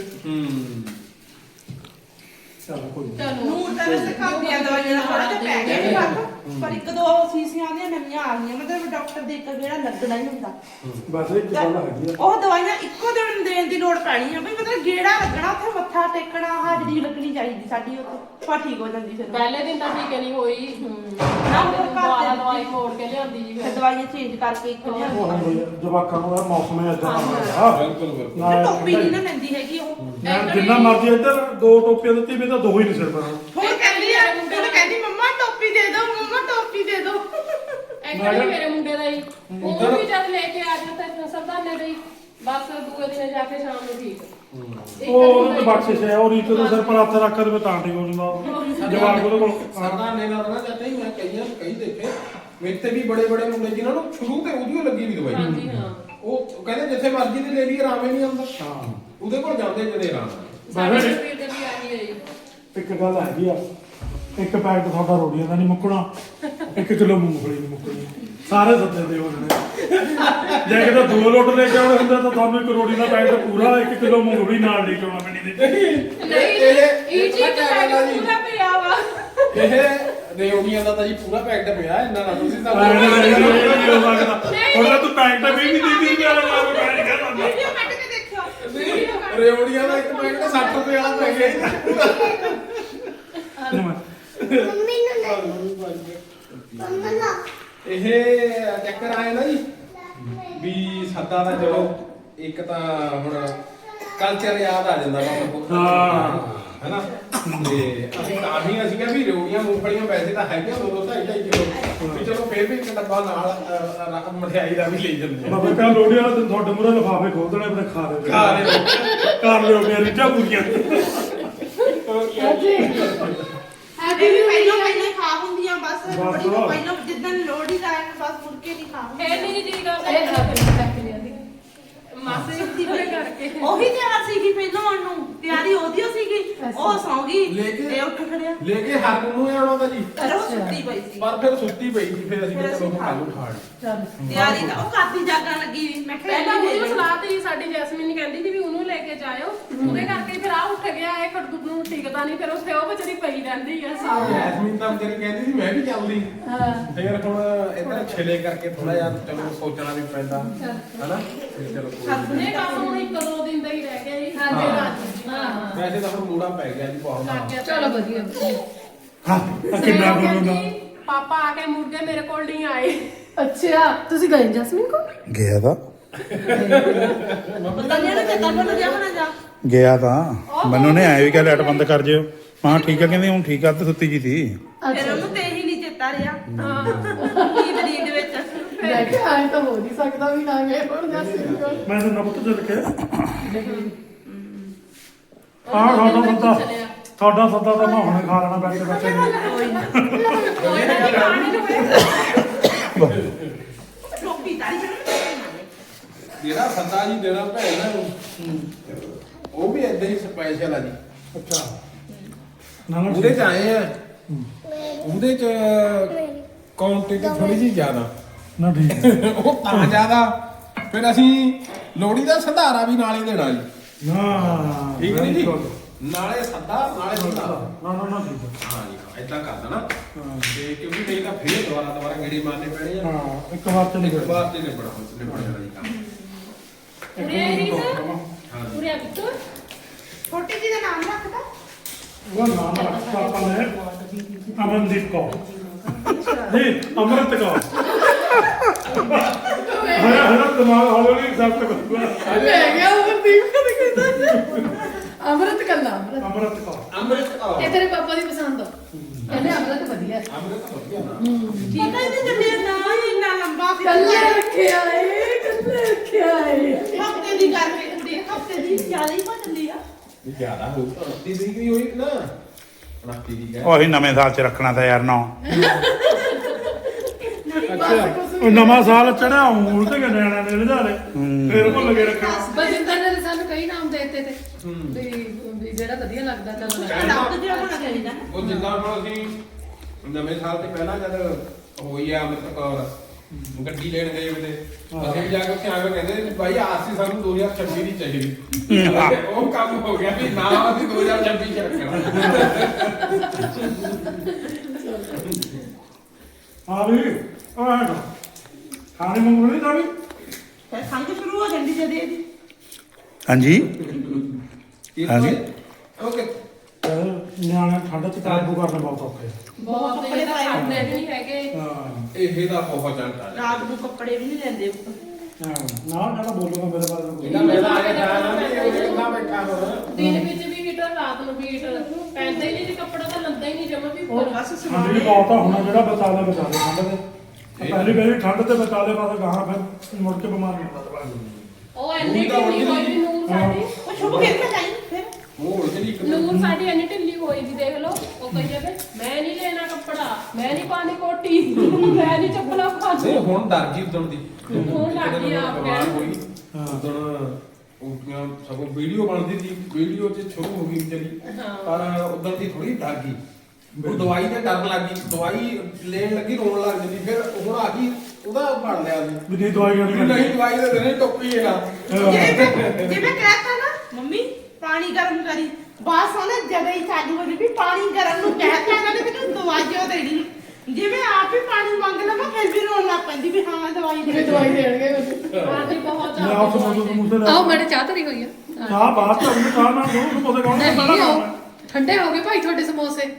Speaker 3: ਚੱਲ ਕੋਈ ਨੀ।
Speaker 4: ਚਲੋ
Speaker 5: ਨੂਰ ਤਾਂ ਵੈਸੇ ਖਾਂਦੀਆਂ ਦਵਾਈਆਂ ਦਾ ਥੋੜਾ ਜਿਹਾ ਪੈ ਗਿਆ ਵੀ ਫਰਕ ਪਰ ਇੱਕ ਦੋ ਸੀਸੀਆਂ ਦੀਆਂ ਨਵੀਆਂ ਆ ਗਈਆਂ ਮਤਲਬ ਡਾਕਟਰ ਦੇ ਇੱਕ ਜਿਹੜਾ ਲੱਗਣਾ ਹੀ ਹੁੰਦਾ
Speaker 3: ਬਸ ਇੱਕ ਗੱਲ ਹੈਗੀ ਆ
Speaker 5: ਉਹ ਦਵਾਈਆਂ ਇੱਕੋ ਦਿਨ ਦੇਣ ਦੀ ਲੋੜ ਪੈਣੀ ਆ ਬਈ ਮਤਲਬ ਗੇੜਾ ਲੱਗਣਾ ਉੱਥੇ ਮੱਥਾ ਟੇਕਣਾ ਹਾਜ਼ਰੀ ਲੱਗਣੀ ਚਾਹੀਦੀ ਸਾਡੀ ਉੱਥੇ ਪਾ ਠੀਕ ਹੋ ਜਾਂਦੀ ਫਿਰ
Speaker 4: ਪਹਿਲੇ ਦਿਨ ਤਾਂ ਠੀਕ ਨਹੀਂ ਹੋਈ।
Speaker 5: ਨਾ ਉਹ
Speaker 4: ਦੁਬਾਰਾ ਦਵਾਈ ਮੋੜ ਕੇ ਲਿਆਂਦੀ ਜੀ
Speaker 5: ਫਿਰ
Speaker 4: ਫਿਰ।
Speaker 5: ਦਵਾਈਆਂ ਚੇਂਜ ਕਰਕੇ ਇੱਕ ਲਿਆ
Speaker 3: ਉਹ ਹੁੰਦੀ ਆ, ਜਵਾਕਾਂ ਨੂੰ ਇਹ ਮੌਸਮ ਹੈ ਇਦਾਂ ਦਾ
Speaker 1: ਬਿਲਕੁਲ ਬਿਲਕੁਲ।
Speaker 3: ਨਾ
Speaker 5: ਟੋਪੀ ਨਹੀਂ ਨਾ ਲੈਂਦੀ ਹੈਗੀ ਉਹ
Speaker 3: ਮੈਂ ਜਿੰਨਾ ਮਰਜ਼ੀ ਇੱਧਰ 2 ਟੋਪੀਆਂ ਦਿੱਤੀ ਵੀ ਤਾਂ 2 ਹੀ ਨਹੀਂ ਸਿਰ ਪਰ
Speaker 5: ਹੁਣ ਕਹਿੰਦੀ ਮੰਮਾ ਟੋਪੀ ਦੇ ਦਿਓ ਮੰਮਾ ਟੋਪੀ ਦੇ ਦਿਓ
Speaker 4: ਐਕਚੁਅਲੀ ਮੇਰੇ ਮੁੰਡੇ ਦਾ ਹੀ ਉਹ ਵੀ ਜਦ ਲੈ ਕੇ ਆ ਜਾਂਦਾ ਤੇ ਸਰਦਾਨੇ ਦੇ ਹੀ ਬਸ ਦੂਏ ਦਿਨ ਜਾ ਕੇ ਸ਼ਾਮ ਨੂੰ ਠੀਕ। ਇੱਕ
Speaker 3: ਉਹ
Speaker 4: ਦਿਨ
Speaker 3: ਉਹਨੂੰ ਬਖਸ਼ਿਸ਼ ਹੈ ਉਹ ਰੀਤ ਦੇ ਸਿਰ ਪਰ ਹੱਥ ਰੱਖ ਕੇ ਤਾਂ ਠੀਕ ਹੋ ਜਾਂਦਾ ਜਵਾਕ ਉਹਦੇ ਕੋਲ
Speaker 1: ਸਰਦਾਰ ਨੇ ਨਾ ਨਾ ਚਾਹਤੇ ਹੀ ਮੈਂ ਕਈ ਦੇਖੇ ਮੇਰੇ ਤੇ ਵੀ ਬੜੇ ਬੜੇ ਮੁੰਡੇ ਜਿਨ੍ਹਾਂ ਨੂੰ ਸ਼ੁਰੂ ਤੇ ਉਹਦੀ ਲੱਗੀ ਵੀ ਦਵਾਈ।
Speaker 4: ਹਾਂਜੀ ਹਾਂ
Speaker 1: ਉਹ ਕਹਿੰਦੇ ਜਿੱਥੇ ਮਰਜ਼ੀ ਦੀ ਲੈ ਲਈ ਆਰਾਮ ਹੀ ਨਹੀਂ ਆਉਂਦਾ।
Speaker 3: ਹਾਂ
Speaker 1: ਉਹਦੇ ਕੋਲ ਜਾਂਦੇ ਜਦੇ ਆਰਾਮ।
Speaker 4: ਸਾਡੇ ਸਰੀਰ ਦੇ ਵੀ ਆਹੀ ਹੈ ਜੀ।
Speaker 3: ਇੱਕ ਗੱਲ ਹੈਗੀ ਆ ਇੱਕ ਪੈਕਟ ਤੁਹਾਡਾ ਰੋੜੀਆਂ ਦਾ ਨਹੀਂ ਮੁੱਕਣਾ 1 ਕਿਲੋ ਮੂੰਗਫਲੀ ਨਹੀਂ ਮੁੱਕਣੀ ਸਾਰੇ ਸੱਤੇ ਦੇ ਹੋ ਜਾਣੇ ਜੇ ਕਿਤੇ 2 ਲੋਟ ਲੈ ਕੇ ਆਉਣੇ ਹੁੰਦੇ ਤਾਂ ਤੁਹਾਨੂੰ ਇੱਕ ਰੋੜੀ ਦਾ ਪੈਕਟ ਪੂਰਾ 1 ਕਿਲੋ ਮੂੰਗਫਲੀ ਨਾਲ ਲੈ ਕੇ ਆਉਣਾ ਪੈਣੀ ਦੇ
Speaker 4: ਨਹੀਂ ਇਹ ਚੀਜ਼ ਤਾਂ ਪੂਰਾ ਪਿਆ ਵਾ।
Speaker 1: ਇਹ ਰੇਉੜੀਆਂ ਦਾ ਤਾਂ ਜੀ ਪੂਰਾ ਪੈਕਟ ਪਿਆ ਇੰਨਾ ਨਾ ਤੁਸੀਂ ਤਾਂ
Speaker 3: ਹੁਣ ਤੂੰ ਪੈਕਟ ਵੀ ਨਹੀਂ ਦਿੱਤੀ ਪਿਆ ਲਗਾ ਕੇ ਪੈਣ ਕਰ
Speaker 5: ਵੀਡੀਓ ਕੱਢ ਕੇ ਦੇਖਿਓ
Speaker 1: ਰੇਉੜੀਆਂ ਦਾ ਇੱਕ ਪੈਕਟ 60 ਰੁਪਏ ਵਾਲਾ ਪੈ ਗਿਆ। ਇਹ ਚੱਕਰ ਆਏ ਨਾ ਜੀ ਵੀ ਸੱਦਾ ਦਾ ਚਲੋ ਇੱਕ ਤਾਂ ਹੁਣ ਕਲਚਰ ਯਾਦ ਆ ਜਾਂਦਾ ਵਾ ਹੈਨਾ ਤੇ ਅਸੀਂ ਕਿਹਾ ਵੀ ਰੇਉੜੀਆਂ ਮੂੰਗਫਲੀਆਂ ਵੈਸੇ ਤਾਂ ਹੈਗੀਆਂ 2-2.5 ਕਿਲੋ ਵੀ ਚਲੋ ਫੇਰ ਵੀ ਇੱਕ ਡੱਬਾ ਨਾਲ ਮਠਿਆਈ ਦਾ ਵੀ ਲੈ ਜਾਂਦੇ ਆ।
Speaker 3: ਬਾਬਾ ਕਾ ਲੋੜੀ ਵਾਲਾ ਦਿਨ ਤੁਹਾਡੇ ਮੂਹਰੇ ਲਿਫਾਫੇ ਖੋਲ ਦੇਣੇ ਆਪਣੇ ਖਾ ਦੇ
Speaker 1: ਖਾ ਰਹੇ
Speaker 3: ਕਰ ਲਿਓ ਮੇਰੀ ਰੀਝਾਂ ਪੂਰੀਆਂ
Speaker 5: ਇਹ ਵੀ ਪਹਿਲਾਂ ਖਾ ਹੁੰਦੀਆਂ ਬਸ
Speaker 3: ਬਸ।
Speaker 5: ਬੜੀ ਤੋਂ ਪਹਿਲਾਂ ਜਿੱਦਣ ਲੋੜੀ ਦਾ ਆਇਆ ਬਸ ਮੁੜ ਕੇ ਨਹੀਂ ਖਾ
Speaker 4: ਇਹ ਨਹੀਂ ਜੀ ਕਰਦਾ
Speaker 2: ਇਹ ਰੱਖ ਲਿਆਂਦੀ।
Speaker 4: ਮਾਸੇ ਸੁੱਤੀ ਪਏ ਕਰਕੇ।
Speaker 5: ਉਹੀ ਤਿਆਰ ਸੀਗੀ ਪਹਿਲਾਂ ਉਹਨੂੰ ਤਿਆਰੀ ਉਹਦੀ ਓ ਸੀਗੀ ਉਹ ਸੌਂ ਗਈ ਇਹ ਉੱਠ ਖੜਿਆ
Speaker 1: ਲੈ ਕੇ ਹਰ ਨੂੰ ਆਉਣਾ ਤਾਂ ਜੀ
Speaker 5: ਫਿਰ ਉਹ ਸੁੱਤੀ ਪਈ ਸੀ
Speaker 1: ਪਰ ਫਿਰ ਸੁੱਤੀ ਪਈ ਸੀ ਫਿਰ ਅਸੀਂ
Speaker 5: ਫਿਰ
Speaker 1: ਕਿਹਾ ਚਲੋ
Speaker 5: ਅਸੀਂ
Speaker 1: ਖਾ ਲੂ ਖਾਣ।
Speaker 2: ਚੱਲ
Speaker 5: ਤਿਆਰੀ ਤਾਂ ਉਹ ਕਾਫੀ ਜਾਗਣ ਲੱਗੀ ਵੀ ਮੈਂ ਕਿਹਾ
Speaker 4: ਪਹਿਲਾਂ
Speaker 5: ਇਹਨੂੰ
Speaker 4: ਉਹਦੀ
Speaker 5: ਦੇ ਦਿਓ।
Speaker 4: ਸਲਾਹ ਤੇ ਸਾਡੀ ਜੈਸਮੀਨ ਕਹਿੰਦੀ ਸੀ ਵੀ ਉਹਨੂੰ ਲੈ ਕੇ ਜਾਇਓ ਉਹਦੇ ਕਰਕੇ ਫਿਰ ਆ ਉੱਠ ਗਿਆ ਇਹ ਖੜਦੂ ਨੂੰ ਟਿਕਦਾ ਨਹੀਂ ਫਿਰ ਉੱਥੇ ਉਹ ਵਿਚਾਰੀ ਪਈ ਰਹਿੰਦੀ ਆ ਸਾਹ
Speaker 1: ਜੈਸਮੀਨ ਤਾਂ ਵਿਚਾਰੀ ਕਹਿੰਦੀ ਸੀ ਮੈਂ ਵੀ ਚੱਲਦੀ
Speaker 2: ਹਾਂ
Speaker 1: ਫਿਰ ਹੁਣ ਇਧਰ ਛੇਲੇ ਕਰਕੇ ਥੋੜਾ ਜਿਹਾ ਚਲੋ ਸੋਚਣਾ ਵੀ ਪੈਂਦਾ ਹਨਾ ਫਿਰ ਚਲੋ ਕੋਈ ਨੀ।
Speaker 4: ਇਹ ਕੰਮ ਹੁਣ 1-2 ਦਿਨ ਦਾ ਹੀ ਰਹਿ ਗਿਆ ਜੀ
Speaker 2: ਹਾਂ।
Speaker 4: ਹਾਂ ਹਾਂ
Speaker 1: ਵੈਸੇ ਤਾਂ ਹੁਣ ਮੂੜਾ ਪੈ ਗਿਆ ਜੀ ਬਹੁਤ
Speaker 4: ਲੱਗ ਗਿਆ
Speaker 2: ਚਲੋ ਵਧੀਆ
Speaker 3: ਹਾਂ ਕਿੰਨਾ ਬੋਲੂਗਾ
Speaker 4: ਪਾਪਾ ਆ ਕੇ ਮੁੜ ਕੇ ਮੇਰੇ ਕੋਲ ਨਹੀਂ ਆਏ
Speaker 2: ਅੱਛਾ ਤੁਸੀਂ ਗਏ ਜਸਮੀਨ ਕੋ
Speaker 6: ਗਿਆ ਤਾਂ
Speaker 5: ਪਤਾ ਨਹੀਂ ਨਾ ਚੱਕਰ ਬਣ ਗਿਆ ਹੋਣਾ ਜਾ
Speaker 6: ਗਿਆ ਤਾਂ ਮੈਨੂੰ ਨੇ ਆਇਆ ਵੀ ਕਿ ਲਾਈਟ ਬੰਦ ਕਰ ਜਿਓ ਹਾਂ ਠੀਕ ਆ ਕਹਿੰਦੀ ਹੁਣ ਠੀਕ ਆ ਤੇ ਸੁੱਤੀ ਜੀ ਸੀ
Speaker 5: ਫਿਰ ਉਹਨੂੰ ਤੇ ਹੀ ਨਹੀਂ ਚੇਤਾ ਰਿਹਾ ਨੀਂਦ ਨੀਂਦ ਵਿੱਚ
Speaker 2: ਮੈਂ ਕਿਹਾ ਆਏ ਤਾਂ ਹੋ ਨਹੀਂ ਸਕਦਾ ਵੀ ਨਾ ਗਏ ਹੁਣ ਜਸਮੀਨ ਕੋ
Speaker 3: ਮੈਂ ਤਾਂ ਨਬਤ ਚੱਲ ਕੇ ਤੁਹਾਡਾ ਸੱਦਾ ਤੁਹਾਡਾ ਸੱਦਾ ਤਾਂ ਮੈਂ ਹੁਣੇ ਖਾ ਲੈਣਾ ਬੈਠੇ ਬੈਠੇ
Speaker 5: ਟੋਪੀ ਤਾਰੀ
Speaker 1: ਜਿਹੜਾ ਸੱਦਾ ਜੀ ਦੇਣਾ ਭੈਣ ਨੂੰ ਉਹ ਵੀ ਏਦਾਂ ਹੀ ਸਪੈਸ਼ਲ ਆ ਜੀ।
Speaker 3: ਅੱਛਾ ਨਾ ਨਾ
Speaker 1: ਉਹਦੇ ਚ ਆਏ ਆ ਉਹਦੇ ਚ ਕੁਆਂਟੀਟੀ ਥੋੜੀ ਜਿਹੀ ਜ਼ਿਆਦਾ
Speaker 3: ਨਾ ਠੀਕ ਹੈ।
Speaker 1: ਉਹ ਤਾਂ ਜ਼ਿਆਦਾ ਫਿਰ ਅਸੀਂ ਲੋਹੜੀ ਦਾ ਸੰਧਾਰਾ ਵੀ ਨਾਲੇ ਦੇਣਾ ਜੀ।
Speaker 3: ਨਾ
Speaker 1: ਠੀਕ ਨਹੀਂ ਜੀ?
Speaker 3: ਬਿਲਕੁਲ।
Speaker 1: ਨਾਲੇ ਸੱਦਾ ਨਾਲੇ ਸੰਧਾਰਾ।
Speaker 3: ਨਾ ਠੀਕ ਹੈ।
Speaker 1: ਹਾਂ ਜੀ ਏਦਾਂ ਕਰ ਦੇਣਾ
Speaker 3: ਹਾਂ।
Speaker 1: ਤੇ ਕਿਉਂਕਿ ਨਹੀਂ ਤਾਂ ਫੇਰ ਦੁਬਾਰਾ ਗੇੜੀ ਮਾਰਨੇ ਪੈਣੇ ਆ।
Speaker 3: ਹਾਂ ਇੱਕ ਵਾਰ ਤੇ
Speaker 1: ਇੱਕ
Speaker 3: ਨਿਕਲ
Speaker 1: ਵਾਰ ਤੇ ਨਿਬੜ ਜਾਣਾ ਜੀ ਕੰਮ।
Speaker 4: ਉਰੇ ਰੀਤ
Speaker 1: ਹਾਂ ਜੀ।
Speaker 4: ਉਰੇ ਆ ਬਿੱਟੂ
Speaker 5: ਛੋਟੀ ਜੀ ਦਾ ਨਾਮ ਰੱਖਦਾ
Speaker 3: ਉਹ ਨਾਮ ਰੱਖਤਾ ਆਪਾਂ ਨੇ ਅਮਨਦੀਪ ਕੌਰ ਨਹੀਂ ਅਮਰਤ ਕੌਰ ਹਰਾ ਦਿਮਾਗ ਹੌਲੀ ਸਭ ਤੱਕ
Speaker 2: ਲੈ ਗਿਆ ਅਮਰਦੀਪ ਕਦੇ ਕਹਿੰਦਾ ਅਮਰਤ ਕੱਲਾ
Speaker 3: ਅਮਰਤ ਕੌਰ
Speaker 1: ਅੰਮ੍ਰਿਤ ਕੌਰ।
Speaker 2: ਇਹ ਤੇਰੇ ਪਾਪਾ ਦੀ ਪਸੰਦ ਆ ਕਹਿੰਦੇ ਅਮਰਤ ਵਧੀਆ
Speaker 1: ਅੰਮ੍ਰਿਤ ਵਧੀਆ ਨਾ।
Speaker 5: ਠੀਕ ਹੈ ਇਹਦੇ ਜੰਨੇ ਨਾ ਹੀ ਇੰਨਾ ਲੰਬਾ
Speaker 2: ਕੱਲੇ ਰੱਖਿਆ ਏ ਕੱਲੇ ਰੱਖਿਆ ਏ
Speaker 5: ਹਫਤੇ ਦੀ ਗੱਲ ਹੁੰਦੀ ਹਫਤੇ ਦੀ ਜ਼ਿਆਦਾ ਹੀ ਬਦਲੀ ਆ
Speaker 1: ਇਹ ਜ਼ਿਆਦਾ ਹੋ 29 ਤਰੀਕ ਦੀ ਹੋਈ ਨਾ 29 ਦੀ ਹੈ।
Speaker 6: ਉਹੀ ਨਵੇਂ ਸਾਲ ਚ ਰੱਖਣਾ ਤਾਂ ਯਾਰ ਨਾ
Speaker 3: ਉਹ ਨਵਾਂ ਸਾਲ ਚੜਿਆ ਉਲਟ ਕੇ ਨਿਆਣਿਆਂ ਨੇ ਲਿਜਾਰੇ ਫਿਰ ਭੁੱਲ ਕੇ ਰੱਖਣਾ
Speaker 2: ਬਜਿੰਦਰ ਨੇ ਸਾਨੂੰ ਕਈ ਨਾਮ ਦੇ ਦਿੱਤੇ ਤੇ ਵੀ ਜਿਹੜਾ ਵਧੀਆ ਲੱਗਦਾ ਚੱਲ
Speaker 5: ਰੱਬ ਜਿਹਾ ਹੋਣਾ ਚਾਹੀਦਾ ਨਾ
Speaker 1: ਉਹ ਜਿੱਦਾਂ ਹੁਣ ਅਸੀਂ ਨਵੇਂ ਸਾਲ ਤੇ ਪਹਿਲਾਂ ਜਦ ਹੋਈ ਆ ਅੰਮ੍ਰਿਤ ਕੌਰ ਗੱਡੀ ਲੈਣ ਗਏ ਉਹਦੇ ਅਸੀਂ ਵੀ ਜਾ ਕੇ ਉੱਥੇ ਆ ਕੇ ਕਹਿੰਦੇ ਵੀ ਭਾਈ ਆਰਸੀ ਸਾਨੂੰ 2026 ਦੀ ਚਾਹੀਦੀ। ਉਹ ਕੰਮ ਹੋ ਗਿਆ ਵੀ ਨਾ ਅਸੀਂ 2026 ਚ ਰੱਖਣਾ।
Speaker 3: ਹਾਂ ਵੀ ਆ ਹੈਗਾ ਖਾਣੇ ਮੰਗੂ ਨਹੀਂ ਤਾਂ ਵੀ
Speaker 5: ਫਿਰ ਸੰਗ ਸ਼ੁਰੂ ਹੋ ਜਾਂਦੀ ਜਦ ਇਹਦੀ
Speaker 6: ਹਾਂਜੀ
Speaker 1: ਹਾਂਜੀ ਓਕੇ।
Speaker 3: ਨਿਆਣੇ ਠੰਡ ਚ ਕਾਬੂ ਕਰਨਾ ਬਹੁਤ ਔਖਾ ਹੈ
Speaker 4: ਬਹੁਤ
Speaker 5: ਕੱਪੜੇ
Speaker 4: ਇਹ ਤਾਂ
Speaker 5: ਪਾਏ
Speaker 4: ਖਾਂਦੇ ਵੀ ਨਹੀਂ ਹੈਗੇ।
Speaker 3: ਹਾਂ
Speaker 1: ਇਹਦਾ ਬਹੁਤ ਚੰਟਾ
Speaker 5: ਰਾਤ ਨੂੰ ਕੱਪੜੇ ਵੀ ਨਹੀਂ ਲੈਂਦੇ ਉੱਪਰ
Speaker 3: ਨਾ ਬੋਲੂਗਾ ਮੇਰੇ ਬਾਰੇ
Speaker 1: ਇਹਦਾ ਮੇਰਾ ਆਇਆ ਨਾ ਇਹ ਕਿੰਨਾ ਬੈਠਾ ਹੁਣ
Speaker 4: ਦਿਨ ਵਿੱਚ ਵੀ ਹੀਟਰ ਰਾਤ ਨੂੰ ਵੀ ਹੀਟਰ ਪੈਂਦਾ ਹੀ ਨਹੀਂ ਜੀ ਕੱਪੜਾ ਤਾਂ ਲੰਦਾ ਹੀ ਨਹੀਂ ਜਮਾ ਵੀ
Speaker 5: ਉਹ
Speaker 4: ਉੱਪਰ।
Speaker 5: ਬਸ
Speaker 3: ਠੰਡ
Speaker 5: ਸਮਾਨ
Speaker 3: ਵੀ ਬਹੁਤ ਆ ਹੁਣ ਜਿਹੜਾ ਬਚਾ ਲੈ ਠੰਡ ਦੇ ਪਹਿਲੀ ਵਾਰੀ ਠੰਡ ਤੇ ਬਚਾ ਲੈ ਬਾਅਦ ਗਾਹਾਂ ਫਿਰ ਮੁੜ ਕੇ ਬਿਮਾਰ ਨਹੀਂ ਹੁੰਦਾ
Speaker 4: ਉਹ ਇੰਨੀ ਢਿੱਲੀ ਹੋਈ ਵੀ ਨੂਰ ਸਾਡੀ
Speaker 5: ਉਹ ਸ਼ੁਭ ਖੇਡ ਕੇ ਜਾਈ ਫਿਰ
Speaker 1: ਮੋੜ ਜਿਹੜੀ ਇੱਕ
Speaker 4: ਨੂਰ ਸਾਡੀ ਇੰਨੀ ਢਿੱਲੀ ਹੋਈ ਵੀ ਦੇਖ ਲਓ ਉਹ ਕਹੀ ਜਾਵੇ ਮੈਂ ਨਹੀਂ ਲੈਣਾ ਕੱਪੜਾ ਮੈਂ ਨਹੀਂ ਪਾਣੀ ਕੋਟੀ ਮੈਂ ਨਹੀਂ ਚੱਪਲਾਂ
Speaker 1: ਨਹੀਂ
Speaker 4: ਪਾਣੀ
Speaker 1: ਹੁਣ ਡਰ ਗਈ ਉਦੋਂ ਦੀ
Speaker 4: ਹੁਣ ਲੱਗ ਗਈ ਆਪ
Speaker 1: ਬਿਮਾਰ
Speaker 4: ਕਹਿਣ।
Speaker 1: ਹੋਈ ਉਦੋਂ ਉਲਟੀਆਂ ਸਗੋਂ ਵੀਡੀਓ ਬਣਦੀ ਸੀ ਵੀਡੀਓ 'ਚ ਸ਼ੁਰੂ ਹੋ ਗਈ ਵਿਚਾਰੀ
Speaker 4: ਹਾਂ।
Speaker 1: ਪਰ ਉਦੋਂ ਦੀ ਥੋੜੀ ਡਰ ਗਈ ਉਹ ਦਵਾਈ ਤੇ ਡਰ ਲੱਗ ਗਈ ਦਵਾਈ ਲੈਣ ਲੱਗੀ ਰੋਣ ਲੱਗ ਜਾਂਦੀ ਫਿਰ ਹੁਣ ਆ ਗਈ ਉਹਦਾ ਬਣ ਲਿਆ ਸੀ
Speaker 3: ਵੀ ਨਹੀਂ ਦਵਾਈ
Speaker 1: ਵੀ ਨਹੀਂ ਦਵਾਈ ਦੇ ਦੇਣੇ ਟੋਪੀ ਹੈ ਨਾ
Speaker 5: ਜਿਵੇਂ ਕਹਿਤਾ ਨਾ ਮੰਮੀ ਪਾਣੀ ਗਰਮ ਕਰੀ ਬਸ ਉਹਨੇ ਜਗ੍ਹਾ ਹੀ ਚਾਲੂ ਹੋ ਗਈ ਵੀ ਪਾਣੀ ਗਰਮ ਨੂੰ ਕਹਿਤਾ ਇਹਨਾਂ ਨੇ ਮੈਨੂੰ ਦਵਾਈਓ ਦੇਣੀ ਜਿਵੇਂ ਆਪ ਹੀ ਪਾਣੀ ਮੰਗ ਲਵਾਂ ਫਿਰ ਵੀ ਰੋਣ ਲੱਗ ਪੈਂਦੀ ਵੀ ਹਾਂ ਦਵਾਈ ਦੇ ਦਿਓ।
Speaker 2: ਦਵਾਈ ਦੇਣਗੇ ਮੈਨੂੰ
Speaker 4: ਪਾਣੀ ਬਹੁਤ
Speaker 3: ਮੈਂ ਆਪ ਸਮਝ ਸਮੂਸੇ ਲੈ
Speaker 2: ਆਓ ਮੇਰੇ ਚਾਹ ਧਰੀ ਹੋਈ ਆ
Speaker 3: ਚਾਹ ਬਾਤ ਤਾਂ ਉਹਨੇ ਚਾਹ ਨਾਲ ਦੋ ਸਮੋਸੇ ਖਾਣੇ
Speaker 2: ਨਹੀਂ ਆਓ ਠੰਡੇ ਹੋ ਗਏ ਭਾਈ ਤੁਹਾਡੇ ਸਮੋਸੇ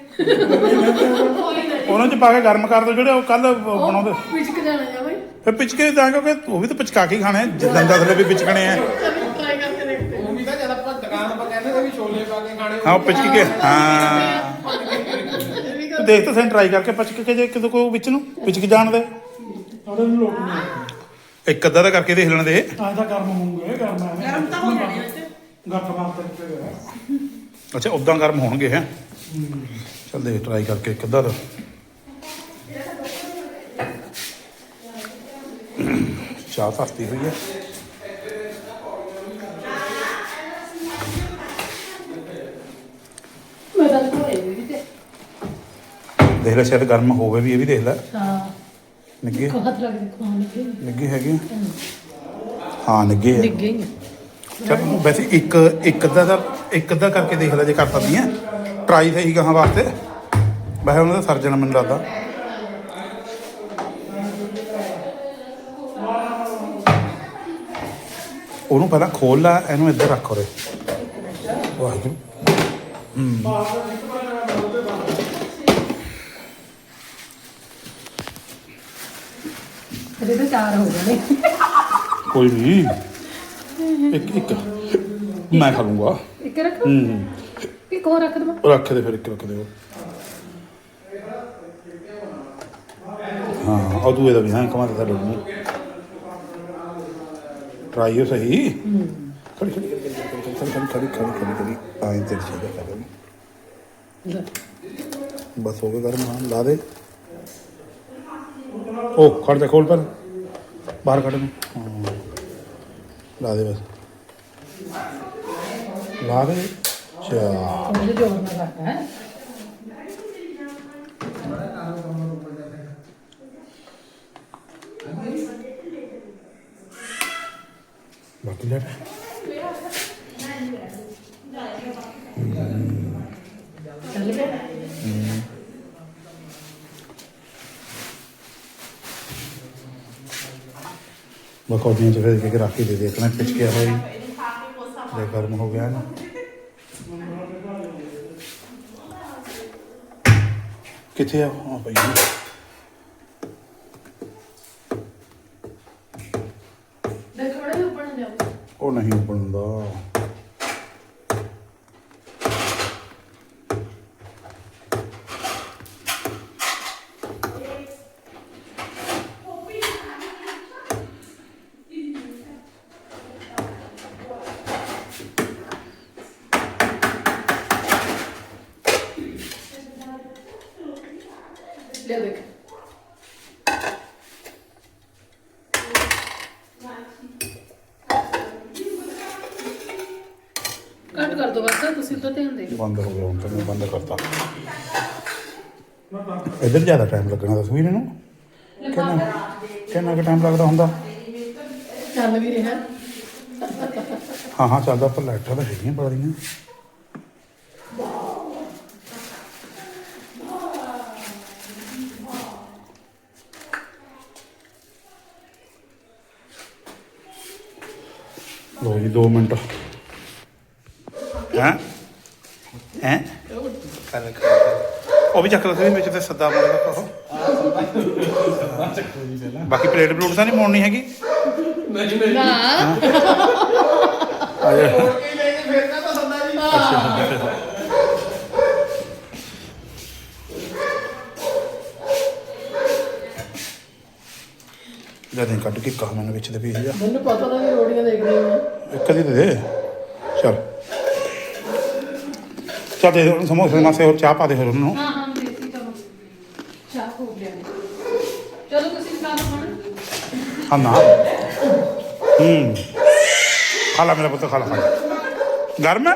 Speaker 6: ਉਹਨਾਂ ਚ ਪਾ ਕੇ ਗਰਮ ਕਰ ਦੋ ਜਿਹੜੇ ਉਹ ਕੱਲ ਬਣਾਉਂਦੇ
Speaker 2: ਪਿਚਕ ਜਾਣਾ ਜਾ ਭਾਈ
Speaker 6: ਫਿਰ ਪਿਚਕੇ ਤਾਂ ਕਿਉਂਕਿ ਉਹ ਵੀ ਤਾਂ ਪਿਚਕਾ ਕੇ ਹੀ ਖਾਣੇ ਆ, ਜਿੱਦਾਂ ਦੱਸਦੇ ਵੀ ਪਿਚਕਣੇ ਆ
Speaker 2: ਟਰਾਈ ਕਰਕੇ ਦੇਖਦੇ
Speaker 1: ਉਹ ਵੀ ਤਾਂ ਜਦ ਆਪਾਂ ਦੁਕਾਨ 'ਤੇ ਕਹਿੰਦੇ ਸੀ ਵੀ ਛੋਲੇ ਪਾ ਕੇ ਖਾਣੇ
Speaker 6: ਹਾਂ ਉਹ ਪਿਚਕ ਕੇ ਹਾਂ ਤੂੰ ਦੇਖ ਤਾਂ ਸੈਂ ਟਰਾਈ ਕਰਕੇ ਪਿਚਕ ਕੇ ਜੇ ਕਿਤੇ ਕੋਈ ਵਿੱਚ ਨੂੰ ਪਿਚਕ ਜਾਣ ਦੇ
Speaker 3: ਥੋੜੇ ਨੂੰ ਲੋਕ ਨਹੀਂ
Speaker 6: ਇੱਕ ਅੱਧਾ ਤਾਂ ਕਰਕੇ ਦੇਖ ਲੈਣ ਦੇ
Speaker 3: ਤਾਂ ਗਰਮ ਹੋਊਗੇ ਗਰਮ ਐਵੇਂ
Speaker 5: ਗਰਮ ਤਾਂ ਹੋ ਜਾਣੇ ਵਿੱਚ
Speaker 3: ਗੱਠ ਮਾਰ ਤੇ
Speaker 6: ਅੱਛਾ ਉਦਾਂ ਗਰਮ ਹੋਣਗੇ ਹੈ ਚੱਲ ਦੇਖ ਟਰਾਈ ਕਰਕੇ ਇੱਕ ਅੱਧਾ ਤਾਂ ਚਾਹ ਧਰਤੀ ਹੋਈ ਹੈ
Speaker 2: ਮੈਂ ਤਾਂ ਘਰੇ ਵੀ ਤੇ
Speaker 6: ਦੇਖ ਲੈ ਸ਼ਾਇਦ ਗਰਮ ਹੋਵੇ ਵੀ ਇਹ ਵੀ ਦੇਖ ਲੈ
Speaker 2: ਹਾਂ
Speaker 6: ਨਿੱਗੇ
Speaker 2: ਕੋ ਹੱਥ ਲੱਗ ਦੇ ਖਾਣ ਲੱਗੇ
Speaker 6: ਨਿੱਗੇ ਹੈਗੇ ਆ? ਹਾਂ ਨਿੱਗੇ ਹੈ
Speaker 2: ਡਿੱਗੇ ਹੀ
Speaker 6: ਚਲ ਵੈਸੇ ਇੱਕ ਅੱਧਾ ਕਰਕੇ ਦੇਖ ਲੈ ਜੇ ਕਰ ਸਕਦੀ ਹੈ ਟਰਾਈ ਸਹੀ ਗਾਹਾਂ ਵਾਸਤੇ ਵੈਸੇ ਉਹਨਾਂ ਦਾ ਸਰਜਣ ਮੈਨੂੰ ਲੱਗਦਾ ਉਹਨੂੰ ਪਹਿਲਾਂ ਖੋਲ ਲੈ ਇਹਨੂੰ ਇੱਧਰ ਰੱਖ ਉਰੇ ਵਾਹਿਗੁਰੂ
Speaker 2: ਇਹਦੇ ਤਾਂ ਚਾਰ ਹੋ ਗਏ ਨੇ
Speaker 6: ਕੋਈ ਨਹੀਂ ਇੱਕ ਮੈਂ ਖਾ ਲੂੰਗਾ
Speaker 2: ਇੱਕ ਰੱਖ
Speaker 6: ਹੂੰ
Speaker 2: ਇੱਕ ਹੋਰ ਰੱਖ ਦਵਾਂ
Speaker 6: ਰੱਖ ਦੇ ਫਿਰ ਇੱਕ ਰੱਖ ਦੇ ਹਾਂ ਉਹ ਦੂਏ ਦਾ ਵੀ ਹਾਂ ਕਮਾ ਦੇ ਲੂੰ ਟਰਾਈ ਹੋ ਸਹੀ ਖੜੀ ਆਏ ਤੇ ਚੀਜ਼ ਕਰ ਬਸ ਹੋ ਗਿਆ ਗਰਮ ਹਾਂ ਲਾ ਦੇ ਉਹ ਖੜ ਜਾ ਖੋਲ ਪਰ ਬਾਹਰ ਕੱਢ ਨੂੰ ਹਾਂ ਲਾ ਦੇ ਬਸ ਲਾ ਦੇ ਚਾ
Speaker 2: ਉਹਦੇ ਜੋਰ ਨਾਲ ਕਰਦਾ ਹੈ
Speaker 6: ਬਾਕੀ ਲੈ
Speaker 2: ਚੱਲ ਗਿਆ
Speaker 6: ਬਕੌਦੀਆਂ ਚ ਫਿਰ ਕੇ ਰੱਖ ਕੇ ਦੇ ਦੇ ਇਤਨਾ ਖਿੱਚ ਕੇ ਹੋਈ ਲੈ ਗਰਮ ਹੋ ਗਿਆ ਨਾ ਕਿੱਥੇ ਆ ਹਾਂ ਭਾਈ
Speaker 2: ਦੇਖ ਬੜਾ ਉੱਪਰ ਨਾ ਜਾਓ
Speaker 6: ਉਹ ਨਹੀਂ ਬਣਦਾ
Speaker 2: ਲੈ ਦੇਖ ਕੱਟ ਕਰ ਦੋ ਬਸ ਤੁਸੀਂ ਤਾਂ ਧਿਆਨ ਦੇ
Speaker 6: ਬੰਦ ਹੋ ਗਿਆ ਹੁਣ ਤਾਂ ਮੈਂ ਬੰਦ ਕਰਤਾ ਇੱਧਰ ਜ਼ਿਆਦਾ ਟਾਈਮ ਲੱਗਣਾ ਤਸਵੀਰ ਇਹਨੂੰ ਕਿੰਨਾ ਕੁ ਟਾਈਮ ਲੱਗਦਾ ਹੁੰਦਾ
Speaker 2: ਚੱਲ ਵੀ ਰਿਹਾ
Speaker 6: ਹਾਂ ਚੱਲਦਾ ਪਰ ਲਾਈਟਾਂ ਤਾਂ ਹੈਗੀਆਂ ਬੜੀਆਂ ਲੋ ਜੀ 2 ਮਿੰਟ ਹੈਂ ਉਹ ਵੀ ਚੱਕ ਲਾ ਸੀ ਵਿੱਚ ਤੇ ਸੱਦਾ ਮੋੜਦਾ ਉਹ ਬਾਕੀ ਪਲੇਟ ਪਲੂਟ ਤਾਂ ਨਹੀਂ ਮੋੜਨੀ ਹੈਗੀ
Speaker 1: ਨਹੀਂ
Speaker 2: ਨਾ
Speaker 6: ਆ ਜਾ
Speaker 1: ਹੋਰ ਕੀ ਲੈ ਕੇ ਫੇਰਨਾ ਤਾਂ ਸੰਦਾ ਜੀ
Speaker 6: ਜਦ ਨਹੀਂ ਕੱਢ ਕੇ ਕਹਾ ਮੈਨੂੰ ਵਿੱਚ ਦੇ ਪੀਸ ਜਾ
Speaker 2: ਮੈਨੂੰ ਪਤਾ ਤਾਂ ਵੀ ਰੋੜੀਆਂ ਦੇਖ ਰਹੀ ਹਾਂ
Speaker 6: ਇੱਕ ਦੀ ਦੇ ਚਲ ਚੱਲ ਦੇ ਉਹਨੂੰ ਸਮੋਸੇ ਮਾਸੇ ਹੋਰ ਚਾਹ ਪਾ ਦੇ ਹੋਰ ਉਹਨੂੰ
Speaker 2: ਹਾਂ ਹਾਂ ਦੇਤੀ ਚਲੋ ਚਾਹ ਹੋ ਗਿਆ ਚਲੋ ਤੁਸੀਂ ਖਾ ਲਓ ਖਾਣਾ
Speaker 6: ਹਾਂ ਨਾ ਖਾ ਲਾ ਮੇਰਾ ਪੁੱਤ ਖਾ ਲਾ ਗਰਮ ਹੈ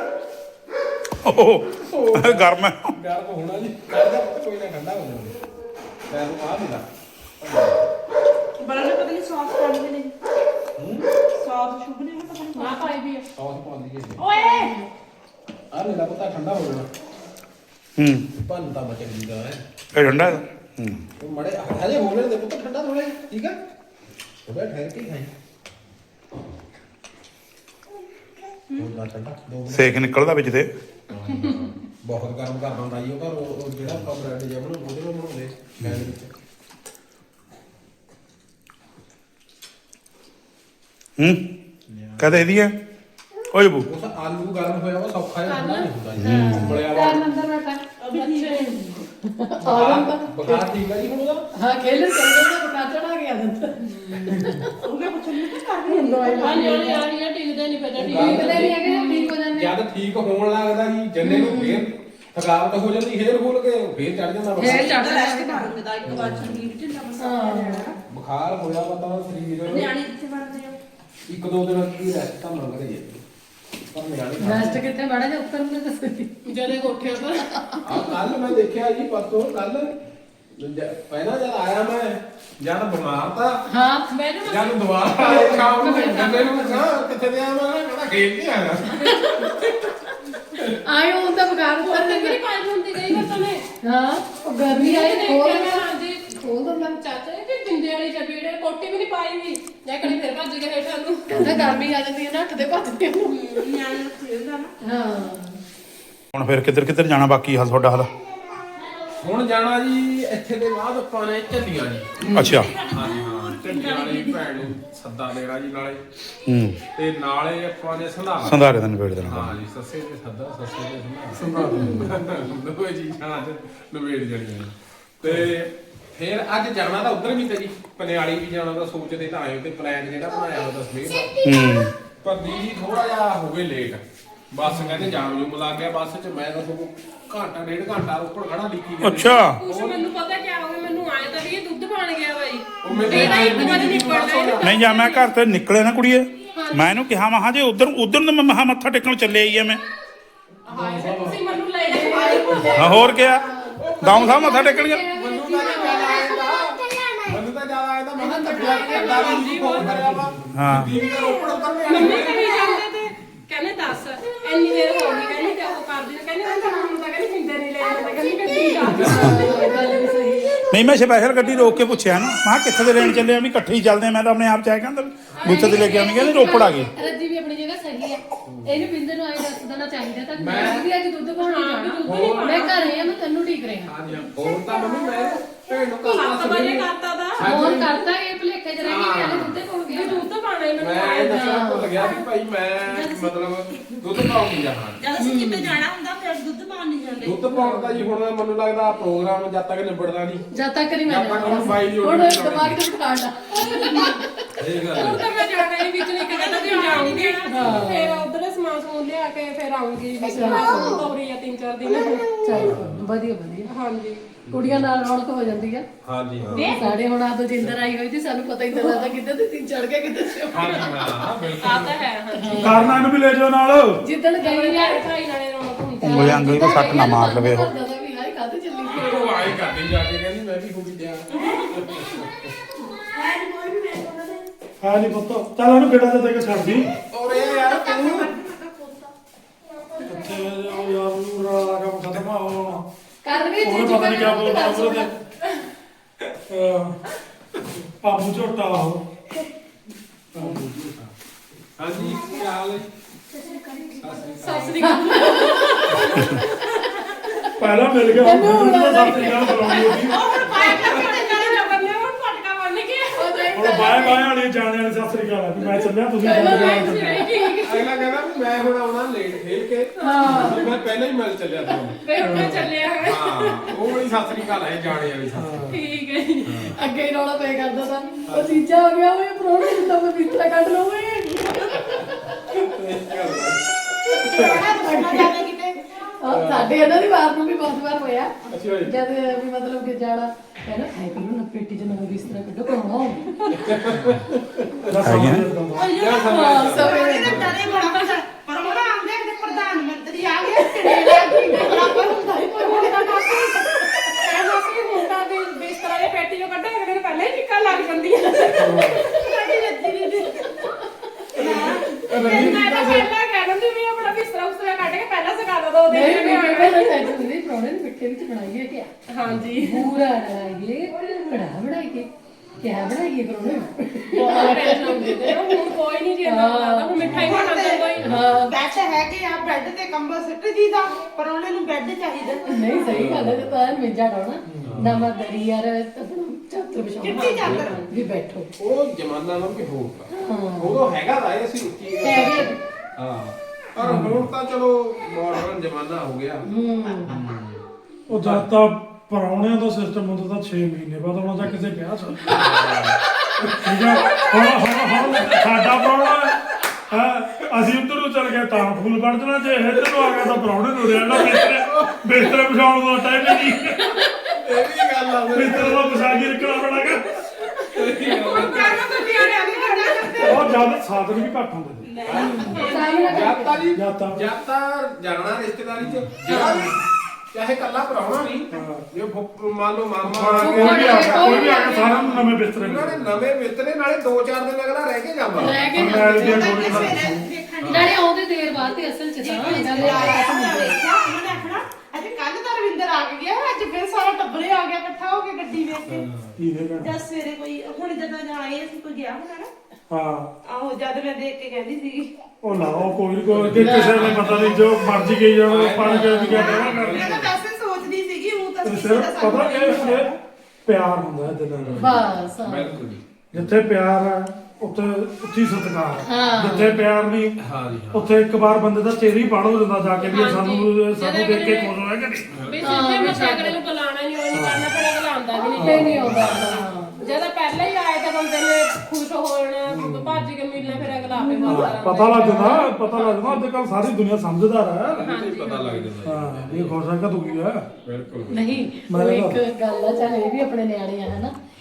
Speaker 6: ਓਹ ਗਰਮ ਹੈ
Speaker 1: ਗਰਮ ਹੋਣਾ ਜੀ ਕਰਦਾ ਕੋਈ ਨਾ ਠੰਡਾ ਹੋ ਜਾਵੇ ਮੈਂ ਨੂੰ ਆ ਦਿੰਦਾ
Speaker 5: ਬੜਾ ਨਾ ਪਤਾ ਨਹੀਂ ਸੌਸ ਪਾਣੀ ਦੇ ਨੇ ਸੌਸ ਸ਼ੁਭ ਨੇ ਪਤਾ ਨਹੀਂ
Speaker 4: ਨਾ ਪਾਈ ਵੀ ਆ।
Speaker 1: ਸੌਸ ਪਾਉਂਦੀ ਹੈ
Speaker 5: ਓਏ
Speaker 1: ਆ ਮੇਰਾ ਪਤਾ ਠੰਡਾ ਹੋ ਜਾਣਾ ਭੰਨ ਤਾਂ ਬਚ ਗਈ ਦਾ ਹੈ
Speaker 6: ਇਹ ਠੰਡਾ
Speaker 1: ਮੜੇ ਹਜੇ ਹੋ ਲੈਣ ਦੇ ਪੁੱਤ ਠੰਡਾ ਥੋੜਾ ਠੀਕ ਹੈ ਥੋੜਾ ਠਹਿਰ ਕੇ ਖਾਈ ਨਾ ਠੰਡਾ 2
Speaker 6: ਸੇਕ ਨਿਕਲਦਾ ਵਿੱਚ ਤੇ
Speaker 1: ਬਹੁਤ ਗਰਮ ਕਰ ਦਿੰਦਾ ਜੀ ਉਹ ਪਰ ਉਹ ਜਿਹੜਾ ਆਪਾਂ ਬ੍ਰੈਡ ਜਿਹਾ ਬਣਾਉਂਦੇ ਉਹਦੇ ਨਾਲ ਬਣਾਉਂਦੇ ਗੈਸ ਦੇ ਵਿੱਚ
Speaker 6: ਕਹਦੇ ਇਹਦੀ ਹੈ ਓਏ ਬੂ
Speaker 1: ਉਹ ਤਾਂ ਆਲੂ ਗਰਮ ਹੋਇਆ ਵਾ ਸੌਖਾ ਜਿਹਾ ਠੰਡਾ ਨਹੀਂ ਹੁੰਦਾ ਜੀ ਬੜਿਆ ਵਾ
Speaker 4: ਕਰਨ ਅੰਦਰ ਬੈਠਾ
Speaker 1: ਬੁਖਾਰ ਠੀਕ ਹੈ ਜੀ ਹੁਣ ਉਹਦਾ
Speaker 2: ਹਾਂ ਖੇਲਣ ਚੱਲ ਜਾਂਦਾ ਬਕਾ ਚੜਾ ਗਿਆ ਦਿੰਦਾ
Speaker 5: ਉਹਨੇ ਪੁੱਛਿਆ ਨਹੀਂ ਕਰ ਰਹੀ
Speaker 2: ਦਵਾਈ
Speaker 4: ਹਾਂ ਜਿਹੜੀ ਆ ਰਹੀ ਆ ਟਿਕਦੇ ਨਹੀਂ ਪਤਾ
Speaker 2: ਠੀਕ ਨਹੀਂ ਹੈਗੇ ਨਾ, ਠੀਕ ਹੋ ਜਾਂਦੇ
Speaker 1: ਜਦ ਠੀਕ ਹੋਣ ਲੱਗਦਾ ਜੀ ਜੰਨੇ ਨੂੰ ਫੇਰ ਥਕਾਵਟ ਹੋ ਜਾਂਦੀ ਫੇਰ ਖੋਲ ਕੇ ਫੇਰ ਚੜ ਜਾਂਦਾ
Speaker 2: ਫੇਰ ਚੜ
Speaker 5: ਰੈਸਟ ਮਾਰੂੰਗਾ ਦਾ ਇੱਕ ਵਾਰ ਸਰੀਰ ਢਿੱਲਾ ਮਸਾ
Speaker 1: ਬੁਖਾਰ ਹੋਇਆ ਵਾ ਤਾਂ ਸਰੀਰ
Speaker 5: ਨਿਆਣੇ ਕਿੱਥੇ ਵੜਦੇ ਆ
Speaker 1: 1-2 ਦਿਨ ਕੀ ਰੈਸਟ ਤਾਂ ਮੰਗਦੇ ਜੀ ਪਰ ਨਿਆਣੇ
Speaker 2: ਰੈਸਟ ਕਿੱਥੇ ਮਾੜਾ ਜਿਹਾ ਉੱਤਰ ਨੂੰ ਦੱਸੋ
Speaker 4: ਜਦੇ ਕੋਠੇ ਪਰ
Speaker 1: ਆ ਕੱਲ ਮੈਂ ਦੇਖਿਆ ਜੀ ਪਰਸੋਂ ਕੱਲ ਪਹਿਲਾਂ ਜਦ ਆਇਆ ਮੈਂ ਜਦ ਬਿਮਾਰ ਤਾਂ
Speaker 2: ਹਾਂ
Speaker 4: ਮੈਂ ਨਾ
Speaker 1: ਜਦ ਦੁਬਾਰਾ ਆਇਆ ਸ਼ਾਮ ਨੂੰ ਜੰਨੇ ਨੂੰ ਕਹਾ ਕਿੱਥੇ ਦੇ ਆਇਆ ਮੈਂ ਕਹਿੰਦਾ ਖੇਡ ਕੇ ਆਇਆ
Speaker 2: ਆਇਓ ਹੁੰਦਾ ਬਗਾਰ ਉੱਤਰ
Speaker 4: ਉੱਤੇ
Speaker 2: ਦੇ
Speaker 4: ਕਿਹੜੀ ਪਾਈ ਹੁੰਦੀ ਗਈ ਮੈਂ ਤਨੇ
Speaker 2: ਹਾਂ ਉਹ ਗਰਮੀ ਆਈ
Speaker 4: ਦੇਖਿਆ
Speaker 2: ਖੋਲ
Speaker 4: ਮੈਂ ਹਾਂਜੀ
Speaker 2: ਖੋਲ ਦੋ
Speaker 4: ਚਾਚਾ ਜੀ ਕਿ ਜਿੰਦੇ ਵਾਲੀ ਚਪੀੜੇ ਕੋਟੀ ਵੀ ਨਹੀਂ ਪਾਈ ਵੀ ਜਾਂ ਕੜੀ ਫਿਰ ਭੱਜ ਗਏ ਹੇਠਾਂ ਨੂੰ
Speaker 2: ਕਹਿੰਦਾ ਗਰਮੀ ਆ ਜਾਂਦੀ ਹੈ ਨਾ ਹੱਥ ਦੇ ਭੱਜਦੇ ਨੂੰ
Speaker 5: ਨਿਆਣੇ ਨੂੰ ਖੇਡਦਾ ਨਾ
Speaker 2: ਹਾਂ
Speaker 6: ਹੁਣ ਫਿਰ ਕਿੱਧਰ ਜਾਣਾ ਬਾਕੀ ਹਾਲ ਤੁਹਾਡਾ ਹਾਲ
Speaker 1: ਹੁਣ ਜਾਣਾ ਜੀ ਇੱਥੇ ਦੇ ਬਾਅਦ ਆਪਾਂ ਨੇ ਝੱਲੀਆਂ ਜੀ
Speaker 6: ਅੱਛਾ
Speaker 1: ਝੱਲੀਆਂ ਵਾਲੀ ਭੈਣ ਨੂੰ ਸੱਦਾ ਦੇਣਾ ਜੀ ਨਾਲੇ ਤੇ ਨਾਲੇ ਆਪਾਂ ਨੇ ਸੰਧਾਰਾ
Speaker 6: ਸੰਧਾਰੇ ਦਾ ਨਿਬੇੜ ਦੇਣਾ
Speaker 1: ਹਾਂ ਜੀ ਸੱਸੇ ਤੇ ਸੱਦਾ ਸੱਸੇ ਤੇ ਸੰਧਾਰਾ ਦੋਏ ਚੀਜ਼ਾਂ ਅੱਜ ਨਿਬੇੜ ਜਾਣੀਆਂ ਨੇ। ਤੇ ਫਿਰ ਅੱਜ ਜਾਣਾ ਤਾਂ ਉਧਰ ਵੀ ਤੇ ਜੀ ਪਨਿਆਲੀ ਵੀ ਜਾਣਾ ਤਾਂ ਸੋਚਦੇ ਤਾਂ ਆਏ ਤੇ ਪਲਾਨ ਜਿਹੜਾ ਬਣਾਇਆ ਉਹਦਾ ਸਵੇਰ ਦਾ ਪਰ ਜੀ ਥੋੜਾ ਜਿਹਾ ਹੋ ਗਏ ਲੇਟ ਬੱਸ ਕਹਿੰਦੇ ਜਾਮ ਜੂਮ ਲੱਗ ਗਿਆ ਬੱਸ 'ਚ ਮੈਂ ਤਾਂ ਸਗੋਂ ਘੰਟਾ ਡੇਢ ਘੰਟਾ ਉੱਪਰ ਖੜਾ ਲਿਖੀ ਗਿਆ
Speaker 6: ਅੱਛਾ
Speaker 4: ਕੁਛ ਮੈਨੂੰ ਪਤਾ ਕੀ ਹੋ ਗਿਆ ਮੈਨੂੰ ਆਏ ਤਾਂ ਵੀ ਇਹ ਦੁੱਧ ਬਣ ਗਿਆ ਬਾਈ
Speaker 1: ਉਹ ਮੈਨੂੰ
Speaker 4: ਇਹਦਾ ਇੱਕ ਵਾਰ ਨਿਪੜਦਾ
Speaker 6: ਨਹੀਂ ਜਾਂ ਮੈਂ ਘਰ ਤੋਂ ਨਿਕਲੇ ਨਾ ਕੁੜੀਏ ਮੈਂ ਇਹਨੂੰ ਕਿਹਾ ਮਹਾ ਜੇ ਉਧਰ ਨੂੰ ਮੈਂ ਮਹਾ ਮੱਥਾ ਟੇਕਣ ਚੱਲੇ ਆਈ ਆ ਮੈਂ
Speaker 4: ਹਾਏ ਫਿਰ ਤੁਸੀਂ ਮੈਨੂੰ ਲੈ ਜਾਓ
Speaker 6: ਹਾਂ ਹੋਰ ਕਿਆ ਗਾਉਂ ਸਾਹਿਬ ਮੱਥਾ ਟੇਕਣ ਗਿਆ
Speaker 1: ਮੈਨੂੰ ਤਾਂ ਜ਼ਿਆਦਾ ਆਇਆ ਤਾਂ ਮੈਂ ਤਾਂ ਦਾਦੀ ਜੀ ਫੋਨ ਕਰਿਆ ਵਾ
Speaker 6: ਹਾਂ।
Speaker 1: ਦੀਦੀ ਦਾ ਰੋਪੜ ਉਤਰਨੇ
Speaker 4: ਮੰਮੀ ਕਰੀ ਜਾਂਦੇ ਤੇ ਕਹਿੰਦੇ ਦੱਸ ਇੰਨੀ ਦੇਰ ਹੋ ਗਈ ਕਹਿੰਦੀ ਤੇ ਉਹ ਕਰਦੀ ਨੇ ਕਹਿੰਦੀ ਹੁਣ ਤਾਂ ਕਹਿੰਦੀ ਪਿੰਡੇ ਨਹੀਂ ਲੈ ਜਾਂਦਾ ਕਹਿੰਦੀ ਗੱਡੀ ਜਾ
Speaker 2: ਗੱਲ ਵੀ ਸਹੀ ਹੈ।
Speaker 6: ਨਹੀਂ ਮੈਂ ਸਪੈਸ਼ਲ ਗੱਡੀ ਰੋਕ ਕੇ ਪੁੱਛਿਆ ਨਾ ਮੈਂ ਕਿਹਾ ਕਿੱਥੇ ਦੇ ਲੈਣ ਚੱਲੇ ਆ ਵੀ ਇਕੱਠੇ ਹੀ ਚੱਲਦੇ ਆ ਮੈਂ ਤਾਂ ਆਪਣੇ ਆਪ ਚਾਹ ਕਹਿੰਦਾ ਬੁੱਤ ਤੇ ਲੈ ਕੇ ਆਉਣੀ ਕਹਿੰਦੇ ਰੋਪੜ ਆ ਗਏ
Speaker 2: ਰੱਜੀ ਵੀ ਆਪਣੀ ਜਗ੍ਹਾ ਸਹੀ ਹੈ ਇਹਨੂੰ ਬਿੰਦਰ ਨੂੰ ਆਏ ਦੱਸ ਦੇਣਾ ਚਾਹੀਦਾ ਤਾਂ ਮੈਂ ਵੀ ਅੱਜ ਦੁੱਧ ਪਾਉਣ ਜਾਣਾ ਮੈਂ ਘਰੇ ਆ ਮੈਂ ਤੈਨੂੰ ਠੀਕ ਰਿਹਾ
Speaker 1: ਹਾਂਜੀ ਹੋਰ ਤਾਂ ਮੰਮੀ ਮੈਂ ਭੈਣ ਨੂੰ
Speaker 4: 7 ਵਜੇ ਕਰਤਾ ਦਾ
Speaker 2: ਫੋਨ ਕਰਤਾ ਇਹ ਭੁਲੇਖੇ ਚ ਰਹਿ ਗਈ ਕਿ ਦੁੱਧ ਪਾਉਣ ਗਿਆ
Speaker 4: ਦੁੱਧ ਪਾਣਾ ਹੀ ਮੈਨੂੰ
Speaker 1: ਮੈਂ ਦੱਸਣਾ ਭੁੱਲ ਗਿਆ ਵੀ ਭਾਈ ਮੈਂ ਮਤਲਬ ਦੁੱਧ ਪਾਉਣ ਨਹੀਂ ਜਾਣਾ
Speaker 5: ਜਦ ਅਸੀਂ ਕਿਤੇ ਜਾਣਾ ਹੁੰਦਾ ਫਿਰ ਦੁੱਧ ਪਾਉਣ ਨਹੀਂ ਜਾਂਦੇ
Speaker 1: ਦੁੱਧ ਪਾਉਣ ਦਾ ਜੀ ਹੁਣ ਮੈਨੂੰ ਲੱਗਦਾ ਪ੍ਰੋਗਰਾਮ ਜਦ ਤੱਕ ਨਿਬੜਦਾ ਨਹੀਂ
Speaker 2: ਜਦ ਤੱਕ ਨਹੀਂ ਮੈਂ
Speaker 1: ਜਦ ਤੱਕ ਹੁਣ ਬਾਈ ਦੀ
Speaker 2: ਹੁਣ
Speaker 1: order
Speaker 2: ਦਿਮਾਗ ਤੇ ਬਿਠਾ ਲਾ
Speaker 1: ਇਹ ਗੱਲ
Speaker 4: ਹੁਣ ਤਾਂ ਮੈਂ ਜਾਣਾ ਹੀ ਵਿੱਚ ਨਹੀਂ ਕਹਿੰਦਾ ਕਿ ਜਾਊਂਗੀ ਫਿਰ ਉਧਰ ਸਮਾਨ ਸਮੂਨ ਲਿਆ ਕੇ ਫਿਰ ਆਉਂਗੀ ਵੀ ਤੋਰੀ ਆ 3-4 ਦਿਨ
Speaker 2: ਚੱਲ ਵਧੀਆ ਵਧੀਆ
Speaker 4: ਹਾਂਜੀ
Speaker 2: ਕੁੜੀਆਂ ਨਾਲ ਰੌਣਕ ਹੋ ਜਾਂਦੀ ਆ
Speaker 1: ਹਾਂਜੀ ਹਾਂ
Speaker 2: ਸਾਡੇ ਹੁਣ ਆ ਤੋਂ ਜਿੰਦਰ ਆਈ ਹੋਈ ਸੀ ਸਾਨੂੰ ਪਤਾ ਹੀ ਨਹੀਂ ਲੱਗਦਾ ਕਿੱਦਾਂ ਤੇ ਤਿੰਨ ਚੜ ਕੇ ਕਿੱਦਾਂ ਸੇ
Speaker 1: ਹਾਂਜੀ ਹਾਂ ਬਿਲਕੁਲ
Speaker 4: ਆ ਤਾਂ ਹੈ ਹਾਂਜੀ
Speaker 3: ਕਾਰਨਾਂ ਨੂੰ ਵੀ ਲੈ ਜਾਓ ਨਾਲ
Speaker 2: ਜਿੱਦਣ ਗਈ ਆ
Speaker 4: ਭਾਈ ਨਾਲੇ ਰੌਣਕ ਹੁੰਦੀ
Speaker 6: ਉਂਗਲੀ ਅੰਗਲੀ ਤੋਂ ਸੱਟ ਨਾ ਮਾਰ ਲਵੇ ਉਹ
Speaker 2: ਵੀ ਹਾਈ ਕਾਹਦੇ ਚੱਲੀ ਗਈ
Speaker 1: ਉਹ ਆਏ ਕਰਦੀ ਜਾ ਕੇ ਕਹਿੰਦੀ ਮੈਂ ਵੀ ਹੋ ਗਈ ਤਿਆਰ
Speaker 3: ਹੈ ਨਹੀਂ ਪੁੱਤ ਚੱਲ ਉਹਨੂੰ ਬੇਟਾ ਦੇ ਕੇ ਛੱਡ ਦੀ
Speaker 1: ਔਰ ਇਹ ਯਾਰ ਤੂੰ
Speaker 3: ਕਿੱਥੇ ਉਹ ਯਾਰ ਨੂੰ ਰਾ ਕੰਮ ਖਤਮ ਆ ਹੁਣ
Speaker 2: ਕਰ ਵੀ
Speaker 3: ਉਹਨੇ ਪਤਾ ਨਹੀਂ ਕਿਆ ਬੋਲਦਾ ਉਹਦੇ ਪਾਪੂ ਝੋਟਾ ਉਹ
Speaker 1: ਹਾਂਜੀ ਕੀ ਹਾਲ ਹੈ
Speaker 4: ਸੱਸ ਦੀ ਗੱਲ
Speaker 3: ਪਹਿਲਾਂ ਮਿਲ ਗਿਆ ਹੁਣ ਸਾਥੀ ਨਾਲ ਬੁਲਾਉਣੀ ਹੋਗੀ
Speaker 4: ਫਟਕਾ ਬੰਨ ਕੇ
Speaker 3: ਹੁਣ ਬਾਏ ਬਾਏ ਵਾਲੀ ਜਾਣੇ ਵਾਲੀ ਸਤਿ ਸ੍ਰੀ ਅਕਾਲ ਆ ਵੀ ਮੈਂ ਚੱਲਿਆ ਤੁਸੀਂ
Speaker 1: ਅਗਲਾ ਕਹਿੰਦਾ ਵੀ ਮੈਂ ਹੁਣ ਆਉਣਾ ਲੇਟ ਖੇਲ ਕੇ ਵੀ ਮੈਂ ਪਹਿਲਾਂ ਹੀ ਮਿਲ ਚੱਲਿਆ ਤੁਹਾਨੂੰ
Speaker 4: ਫਿਰ ਉੱਤੇ ਚੱਲਿਆ ਹੈ
Speaker 1: ਹਾਂ ਉਹ ਵਾਲੀ ਸਤਿ ਸ੍ਰੀ ਅਕਾਲ ਹੈ ਜਾਣੇ ਵਾਲੀ ਸਤਿ
Speaker 4: ਠੀਕ ਹੈ ਜੀ
Speaker 2: ਅੱਗੇ ਹੀ ਰੌਲਾ ਪੈ ਕਰਦਾ ਤਾਂ ਉਹ ਚੀਜ਼ਾ ਹੋ ਗਿਆ ਓਏ ਪ੍ਰੋਣੇ ਜਿੱਦਾਂ ਮੈਂ ਬਿਸਤਰਾ ਕੱਢ ਲਵਾਂ ਓਏ ਸਾਡੇ ਇਹਨਾਂ ਦੀ ਵਾਰ ਨੂੰ ਵੀ ਬਹੁਤ ਵਾਰ ਹੋਇਆ
Speaker 1: ਅੱਛਾ ਜੀ।
Speaker 2: ਜਦ ਵੀ ਮਤਲਬ ਕਿ ਜਾਣਾ ਕਹਿੰਦਾ ਖਾਈ ਪੀਓ ਨਾ ਪੇਟੀ ਚ ਨਵਾਂ ਬਿਸਤਰਾ ਕੱਢੋ ਕਰਾਉਣਾ
Speaker 5: ਪਰੋਣਾ ਆਂਦੇ ਤੇ ਪ੍ਰਧਾਨ ਮੰਤਰੀ ਆ ਗਏ ਕਿਹੜੇ ਆ ਗਏ ਬਰਾਬਰ ਹੁੰਦਾ ਹੀ ਕੋਈ
Speaker 4: ਕਹਿੰਦਾ ਸੀ ਮੁੰਡਾ ਵੀ ਬਿਸਤਰਾ ਦੇ ਪੇਟੀ ਚੋਂ ਕੱਢਿਆ ਕਿ ਪਹਿਲਾਂ ਹੀ ਨਿਕਲ ਲੱਗ ਜਾਂਦੀ ਹੈ
Speaker 5: ਸਾਡੀ ਰੱਜੀ ਦੀ
Speaker 4: ਮੈਂ ਤਾਂ ਪਹਿਲਾਂ ਕਹਿ ਦਿੰਦੀ ਵੀ ਆਪਣਾ ਬਿਸਤਰਾ ਉਸਤਰਾ ਕੱਢ ਕੇ ਪਹਿਲਾਂ ਸਕਾ ਦੋ
Speaker 2: ਨਹੀਂ
Speaker 4: ਦਿਨ
Speaker 2: ਨਹੀਂ ਪਹਿਲਾਂ ਟੈਨਸ਼ਨ ਹੁੰਦੀ ਪ੍ਰੋਣੇ ਨੂੰ ਮਿੱਠੇ ਵਿੱਚ ਬਣਾਈਏ ਕਿਆ
Speaker 4: ਹਾਂਜੀ
Speaker 2: ਪੂਰਾ ਬਣਾਈਏ ਕੜਾ ਬਣਾਈਏ ਕਿਆ ਬਣਾਈਏ ਪ੍ਰੋਣੇ
Speaker 4: ਬਹੁਤ ਟੈਨਸ਼ਨ ਹੁੰਦੀ ਤੇ ਹੁਣ ਕੋਈ ਨਹੀਂ ਜੀ ਇੰਨਾ ਕਰਦਾ ਹੁਣ ਮਿਠਾਈ ਬਣਾਉਂਦਾ ਕੋਈ
Speaker 2: ਹਾਂ
Speaker 5: ਬੈਠ ਹੈ ਕਿ ਆ ਬੈੱਡ ਤੇ ਕੰਬਲ ਸਿੱਟ ਜੀਦਾ ਪਰੋਣੇ ਨੂੰ ਬੈੱਡ ਚਾਹੀਦਾ
Speaker 2: ਨਹੀਂ ਸਹੀ ਗੱਲ ਹੈ ਤਾਂ ਮਿੰਜਾ ਡਾਉਣਾ ਨਵਾਂ ਦਰੀ ਯਾਰ ਆਪਣਾ ਚਾਦਰ
Speaker 5: ਚਿੱਟੀ
Speaker 2: ਵਿਛਾਉਣਾ
Speaker 5: ਚਾਦਰ
Speaker 2: ਵੀ ਬੈਠੋ
Speaker 1: ਉਹ ਜ਼ਮਾਨਾ ਨਾਲ ਵੀ ਹੋਰ ਤਾ ਉਦੋਂ ਹੈਗਾ ਤਾਂ ਇਹ ਅਸੀਂ ਉੱਚੀ
Speaker 2: ਹੈਗੇ
Speaker 1: ਹਾਂ ਪਰ ਹੁਣ ਤਾਂ ਚਲੋ ਮਾਡਰਨ ਜ਼ਮਾਨਾ ਹੋ ਗਿਆ
Speaker 3: ਉਹ ਜਦ ਤਾਂ ਪਰਾਉਣਿਆਂ ਦਾ ਸਿਸਟਮ ਹੁੰਦਾ ਤਾਂ 6 ਮਹੀਨੇ ਬਾਅਦ ਆਉਣਾ ਜਾਂ ਕਿਸੇ ਵਿਆਹ ਚ ਠੀਕ ਹੈ ਹੁਣ ਸਾਡਾ ਪਰਾਉਣਾ ਹੈ ਅਸੀਂ ਉੱਧਰ ਨੂੰ ਚੱਲ ਗਏ ਤਾਂ ਫੁੱਲ ਬਣ ਜਾਣਾ ਜੇ ਇੱਧਰ ਨੂੰ ਆ ਗਿਆ ਤਾਂ ਪਰਾਉਣੇ ਨੂੰ ਰਹਿਣਾ ਬਿਸਤਰੇ ਵਿਛਾਉਣ ਦਾ ਟਾਈਮ ਹੀ ਨਹੀਂ
Speaker 1: ਇਹ ਵੀ ਗੱਲ ਆ
Speaker 3: ਬਿਸਤਰੇ ਦਾ ਵਿਛਾ ਕੇ ਰੱਖਣਾ ਪੈਣਾ
Speaker 5: ਕਰਨਾ ਤਾਂ ਪਿਆਰੇ ਆ ਗਏ
Speaker 3: ਉਹ ਜਦ ਸਾਧਨ ਵੀ ਘੱਟ ਹੁੰਦੇ ਨੇ
Speaker 1: ਜਦ ਤਾਂ ਜੀ
Speaker 3: ਜਦ ਤਾਂ-
Speaker 1: ਜਦ ਤਾਂ ਜਾਣਾ ਰਿਸ਼ਤੇਦਾਰੀ ਚ ਜਿਹੜਾ ਵੀ ਚਾਹੇ ਕੱਲਾ ਭਰਾਉਣਾ ਨਹੀਂ ਜੇ ਮੰਨ ਲਓ ਮਾਮਾ ਆ
Speaker 3: ਕੋਈ
Speaker 1: ਗਿਆ
Speaker 3: ਵੀ ਆ ਗਿਆ ਕੋਈ ਵੀ ਆ ਗਿਆ ਸਾਰਿਆਂ ਨੂੰ ਨਵੇਂ ਬਿਸਤਰੇ
Speaker 1: ਉਹਨਾਂ ਨੇ ਨਵੇਂ ਮਿੱਤਰੇ ਨਾਲੇ 2-4 ਦਿਨ ਅਗਲਾ ਰਹਿ ਕੇ ਜਾਂਦਾ
Speaker 2: ਰਹਿ ਕੇ
Speaker 3: ਮੈਂ ਦੀਆਂ ਗੋਲੀਆਂ
Speaker 5: ਦੇਖਣ
Speaker 2: ਨਾਲੇ ਆਉਂਦੇ ਦੇਰ ਬਾਅਦ ਤੇ ਅਸਲ ਚ ਤਾਂ ਇਹਨਾਂ ਦੇ
Speaker 5: ਉਹਨਾਂ ਨੇ ਆਖਣਾ ਅੱਜ ਕੱਲ ਤਾਂ ਰਵਿੰਦਰ ਆ ਗਿਆ ਅੱਜ ਫਿਰ ਸਾਰਾ ਟੱਬਰੇ ਆ ਗਿਆ ਇਕੱਠਾ ਹੋ ਕੇ ਗੱਡੀ ਵੇਖ ਕੇ
Speaker 3: ਇਹਦੇ ਨਾਲ
Speaker 5: ਜਦ ਸਵੇਰੇ ਕੋਈ ਹੁਣ ਜਦੋਂ ਆਏ ਅਸੀਂ ਕੋਈ ਗਿਆ ਹੋਣਾ ਨਾ
Speaker 3: ਹਾਂ
Speaker 5: ਆਹੋ ਜਦ ਮੈਂ ਦੇਖ ਕੇ ਕਹਿੰਦੀ ਸੀਗੀ
Speaker 3: ਉਹ ਲਾਓ ਕੋਈ ਨੀ, ਕੋਈ ਕਿ ਕਿਸੇ ਨੇ ਪਤਾ ਨਹੀਂ ਜੋ ਮਰਜ਼ੀ ਗਈ ਜਾਣਾ ਪਾਣੀ ਕੇ ਵੀ ਗਿਆ ਦੇਣਾ
Speaker 5: ਮੈਂ ਤਾਂ ਵੈਸੇ ਸੋਚਦੀ ਸੀਗੀ ਉਹ ਤਾਂ
Speaker 3: ਸਿਰਫ ਪਤਾ ਇਹ ਪਿਆਰ ਹੁੰਦਾ ਇਹਦੇ ਨਾਲ
Speaker 2: ਬਸ ਹਾਂ।
Speaker 1: ਬਿਲਕੁਲ ਜੀ
Speaker 3: ਜਿੱਥੇ ਪਿਆਰ ਹੈ ਉੱਥੇ ਉੱਚੀ ਸਤਿਕਾਰ ਹੈ।
Speaker 2: ਹਾਂ।
Speaker 3: ਜਿੱਥੇ ਪਿਆਰ ਨਹੀਂ
Speaker 1: ਹਾਂ ਜੀ
Speaker 3: ਉੱਥੇ ਇੱਕ ਵਾਰ ਬੰਦੇ ਦਾ ਚਿਹਰਾ ਹੀ ਪੜ ਹੋ ਜਾਂਦਾ ਜਾ ਕੇ ਵੀ ਇਹ ਸਾਨੂੰ ਦੇਖ ਕੇ ਖੁਸ਼ ਹੋਇਆ ਕਿ ਨਹੀਂ
Speaker 4: ਵੀ ਸਿੱਧੇ ਮੱਥੇ ਅਗਲੇ ਨੂੰ ਬੁਲਾਣਾ ਨਹੀਂ ਉਹ ਨਹੀਂ ਕਰਨਾ ਫਿਰ ਅਗਲਾ ਆਉਂਦਾ ਵੀ ਨਹੀਂ
Speaker 2: ਤੇ ਨਹੀਂ ਆਉਂਦਾ ਹਾਂ।
Speaker 4: ਜਦੋਂ ਪਹਿਲਾਂ ਹੀ ਆਏ ਤਾਂ ਬੰਦੇ ਨੇ ਖੁਸ਼ ਹੋ ਜਾਣਾ ਭੱਜ ਕੇ ਮਿਲਣਾ ਫਿਰ ਅਗਲਾ ਆਪੇ ਵਾਪਸ
Speaker 3: ਪਤਾ ਲੱਗ ਜਾਂਦਾ ਅੱਜ ਕੱਲ ਸਾਰੀ ਦੁਨੀਆ ਸਮਝਦਾਰ ਹੈ
Speaker 1: ਪਤਾ ਲੱਗ ਜਾਂਦਾ
Speaker 3: ਹਾਂ ਇਹ ਖੁਸ਼ ਹੈ ਕਿ ਦੁਖੀ ਹੈ
Speaker 1: ਬਿਲਕੁਲ
Speaker 2: ਨਹੀਂ ਉਹ ਇੱਕ ਗੱਲ ਆ ਚਾਹੇ ਇਹ ਵੀ ਆਪਣੇ ਨਿਆਣੇ ਆ ਹਨਾ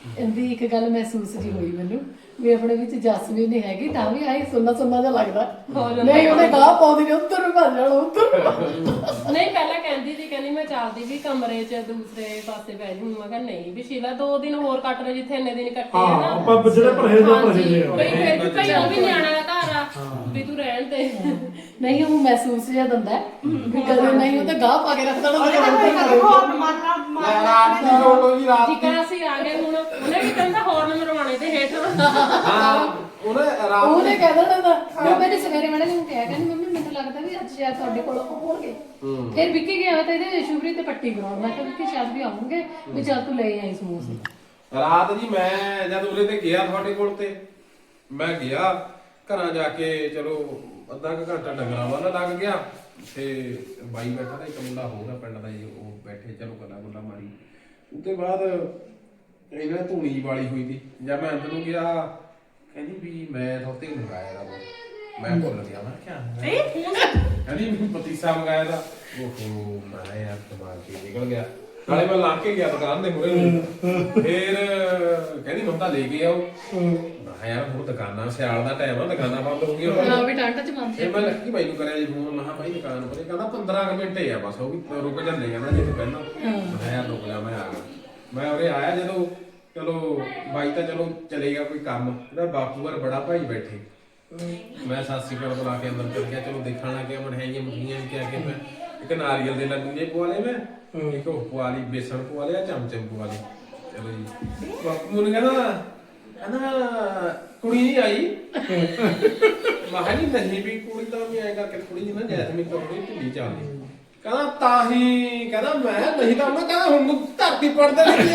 Speaker 2: ਇਹਦੀ ਇੱਕ ਗੱਲ ਮਹਿਸੂਸ ਜੀ ਹੋਈ ਮੈਨੂੰ ਵੀ ਆਪਣੇ ਵਿੱਚ ਜਸਮੀਨ ਨਹੀਂ ਹੈਗੀ ਤਾਂ ਵੀ ਆਈ ਸੁੰਨਾ ਸੁੰਨਾ ਜਿਹਾ ਲੱਗਦਾ ਨਹੀਂ ਉਹਨੇ ਗਾਹ ਪਾਉਂਦੀ ਨੇ ਉੱਧਰ ਨੂੰ ਭੱਜ ਜਾਣਾ ਉੱਧਰ
Speaker 4: ਨਹੀਂ ਪਹਿਲਾਂ ਕਹਿੰਦੀ ਸੀ ਕਹਿੰਦੀ ਮੈਂ ਚੱਲਦੀ ਵੀ ਕਮਰੇ 'ਚ ਦੂਸਰੇ ਪਾਸੇ ਬਹਿ ਜੂ ਮੈਂ ਕਿਹਾ ਨਹੀਂ ਵੀ ਸ਼ੀਲਾ 2 ਦਿਨ ਹੋਰ ਕੱਟ ਲੈ ਜਿੱਥੇ ਇੰਨੇ ਦਿਨ ਕੱਟੇ ਆ
Speaker 3: ਹਾਂ
Speaker 4: ਨਾ
Speaker 3: ਆਪਾਂ ਜਿਹੜੇ ਪਰਹੇਜ਼ ਆ
Speaker 4: ਹਾਂਜੀ,
Speaker 3: ਪਰਹੇਜ਼
Speaker 4: ਬਈ ਫਿਰ ਵੀ ਭਈ ਉਹ ਵੀ ਨਿਆਣਾ ਦਾ ਘਰ ਆ ਵੀ ਤੂੰ ਰਹਿਣ ਦੇ
Speaker 2: ਨਹੀਂ ਉਹ ਮਹਿਸੂਸ ਜਿਹਾ ਦਿੰਦਾ ਹੈ ਵੀ ਕਦੇ ਨਹੀਂ ਉਹ ਤੇ ਗਾਹ ਪਾ ਕੇ ਰੱਖਦਾ ਨਾ
Speaker 5: ਉਹਨੇ
Speaker 2: ਤੇ
Speaker 5: ਤਾਂ
Speaker 2: ਉੱਧਰ
Speaker 5: ਕੋਈ
Speaker 2: ਨੂੰ
Speaker 5: ਹੋਰ ਮਾਰਨਾ ਮਾਰਨਾ
Speaker 1: ਰਾਤ ਦੀ ਲੋੜ ਹੋਈ ਰਾਤ ਦੀ
Speaker 4: ਜਿੱਕਾ ਅਸੀਂ ਆ ਗਏ ਹੁਣ ਉਹਨੇ ਵੀ ਕਹਿੰਦਾ ਹੋਰ ਮਰਵਾਣੇ ਤੇ ਹੇਠ
Speaker 1: ਹਾਂ ਉਹਨੇ ਰਾਤ
Speaker 2: ਉਹਨੇ ਕਹਿ ਦੇਣਾ ਤਾਂ ਮੈਂ ਮੈਨੂੰ ਸਵੇਰੇ ਮੈਨੇ ਨੂੰ ਕਿਹਾ ਕਹਿੰਦੀ ਮੰਮੀ ਮੈਨੂੰ ਲੱਗਦਾ ਵੀ ਅੱਜ ਸ਼ਾਇਦ ਤੁਹਾਡੇ ਕੋਲ ਹੋਣਗੇ ਫਿਰ ਵਿੱਕੀ ਗਿਆ ਤਾਂ ਇਹਦੇ ਸ਼ੁਭਰੀ ਤੇ ਪੱਟੀ ਕਰਾਉਣ ਮੈਂ ਕਿਹਾ ਵਿੱਕੀ ਸ਼ਾਇਦ ਵੀ ਆਉਣਗੇ ਵੀ ਚੱਲ ਤੂੰ ਲੈ ਆਈ ਸਮੋਸੇ
Speaker 1: ਰਾਤ ਜੀ ਮੈਂ ਜਦ ਉਰੇ ਤੇ ਗਿਆ ਤੁਹਾਡੇ ਕੋਲ ਤੇ ਮੈਂ ਗਿਆ ਘਰਾਂ ਜਾ ਕੇ ਚਲੋ ਅੱਧਾ ਕੁ ਘੰਟਾ ਡੰਗਰਾਂ ਵਾਲਾ ਲੱਗ ਗਿਆ ਤੇ ਬਾਈ ਬੈਠਾ ਤਾਂ ਇੱਕ ਮੁੰਡਾ ਹੋਊਗਾ ਪਿੰਡ ਦਾ ਜੀ ਉਹ ਬੈਠੇ ਚਲੋ ਗੱਲਾਂ ਮਾਰੀ ਉਹਦੇ ਬਾਅਦ ਇਹਨਾਂ ਧੂਣੀ ਵਾਲੀ ਹੋਈ ਸੀ ਜਦ ਮੈਂ ਅੰਦਰ ਨੂੰ ਗਿਆ ਕਹਿੰਦੀ ਵੀ ਮੈਂ ਤੁਹਾਡੇ ਮੰਗਾਇਆ ਦਾ ਮੈਂ ਭੁੱਲ ਗਿਆ ਮੈਂ ਕਿਹਾ
Speaker 5: ਇਹ ਫੋਨ
Speaker 1: ਕਹਿੰਦੀ ਮੈਨੂੰ ਪਤੀਸਾ ਮੰਗਾਇਆ ਦਾ ਓਹੋ ਮੈਂ ਯਾਰ ਦਿਮਾਗ ਕੇ ਨਿਕਲ ਗਿਆ ਨਾਲੇ ਮੈਂ ਲਾ ਕੇ ਗਿਆ ਦੁਕਾਨ ਦੇ ਮੂਹਰੇ ਨੂੰ ਫਿਰ ਕਹਿੰਦੀ ਮੰਮਾ ਲੈ ਕੇ ਆਓ ਮੈਂ ਯਾਰ ਹੁਣ ਦੁਕਾਨਾਂ ਸਿਆਲ ਦਾ ਟਾਈਮ ਆ ਦੁਕਾਨਾਂ ਬੰਦ ਹੋ ਗਈਆਂ
Speaker 2: ਹਾਂ ਵੀ ਠੰਡ ਚ ਮੰਨਦੇ
Speaker 1: ਫਿਰ ਮੈਂ ਲੱਕੀ ਬਾਈ ਨੂੰ ਕਰਿਆ ਜੀ ਫੋਨ ਮੈਂ ਕਿਹਾ ਬਾਈ ਦੁਕਾਨ ਪਰੇ ਕਹਿੰਦਾ 15 ਕੁ ਮਿੰਟ ਹੀ ਆ ਬਸ ਉਹ ਵੀ ਰੁਕ ਜਾਂਦੇ ਕਹਿੰਦਾ ਜਿੱਥੇ ਪਹਿਲਾਂ ਮੈਂ ਯਾਰ ਰੁਕ ਜਾ ਮੈਂ ਆ ਗਿਆ ਮੈਂ ਉਰੇ ਆਇਆ ਜਦੋਂ ਚਲੋ ਬਾਈ ਤਾਂ ਚਲੋ ਚਲੇ ਗਿਆ ਕੋਈ ਕੰਮ ਇਹਦਾ ਬਾਪੂ ਵਰ ਬੜਾ ਭਾਈ ਬੈਠੇ ਮੈਂ ਸਾਸੀ ਕੋਲ ਬੁਲਾ ਕੇ ਅੰਦਰ ਚਲ ਗਿਆ ਚਲੋ ਦੇਖਣ ਲੱਗ ਗਿਆ ਮਠਿਆਈਆਂ ਮੁਠੀਆਂ ਕਿ ਆ ਕੇ ਮੈਂ ਇੱਕ ਨਾਰੀਅਲ ਦੇ ਲੱਡੂ ਜੇ ਪਵਾ ਲਏ ਮੈਂ ਇੱਕ ਉਹ ਪਵਾ ਲਈ ਬੇਸਣ ਪਵਾ ਲਿਆ ਚਮਚਮ ਪਵਾ ਲਈ ਚਲੋ ਜੀ ਬਾਪੂ ਨੂੰ ਕਹਿੰਦਾ ਕੁੜੀ ਨਹੀਂ ਆਈ ਮੈਂ ਨਹੀਂ ਵੀ ਕੁੜੀ ਤਾਂ ਵੀ ਆਏਗਾ ਕਿ ਕੁੜੀ ਜੀ ਨਾ ਜੈਸਮੀਨ ਤੋਂ ਥੋੜੀ ਢਿੱਲੀ ਚੱਲਦੀ ਕਹਿੰਦਾ ਤਾਂ ਹੀ ਕਹਿੰਦਾ ਮੈਂ ਨਹੀਂ ਤਾਂ ਉਹਨੇ ਕਹਿੰਦਾ ਹੁਣ ਨੂੰ ਧਰਤੀ ਪੜਦੇ ਨਹੀਂ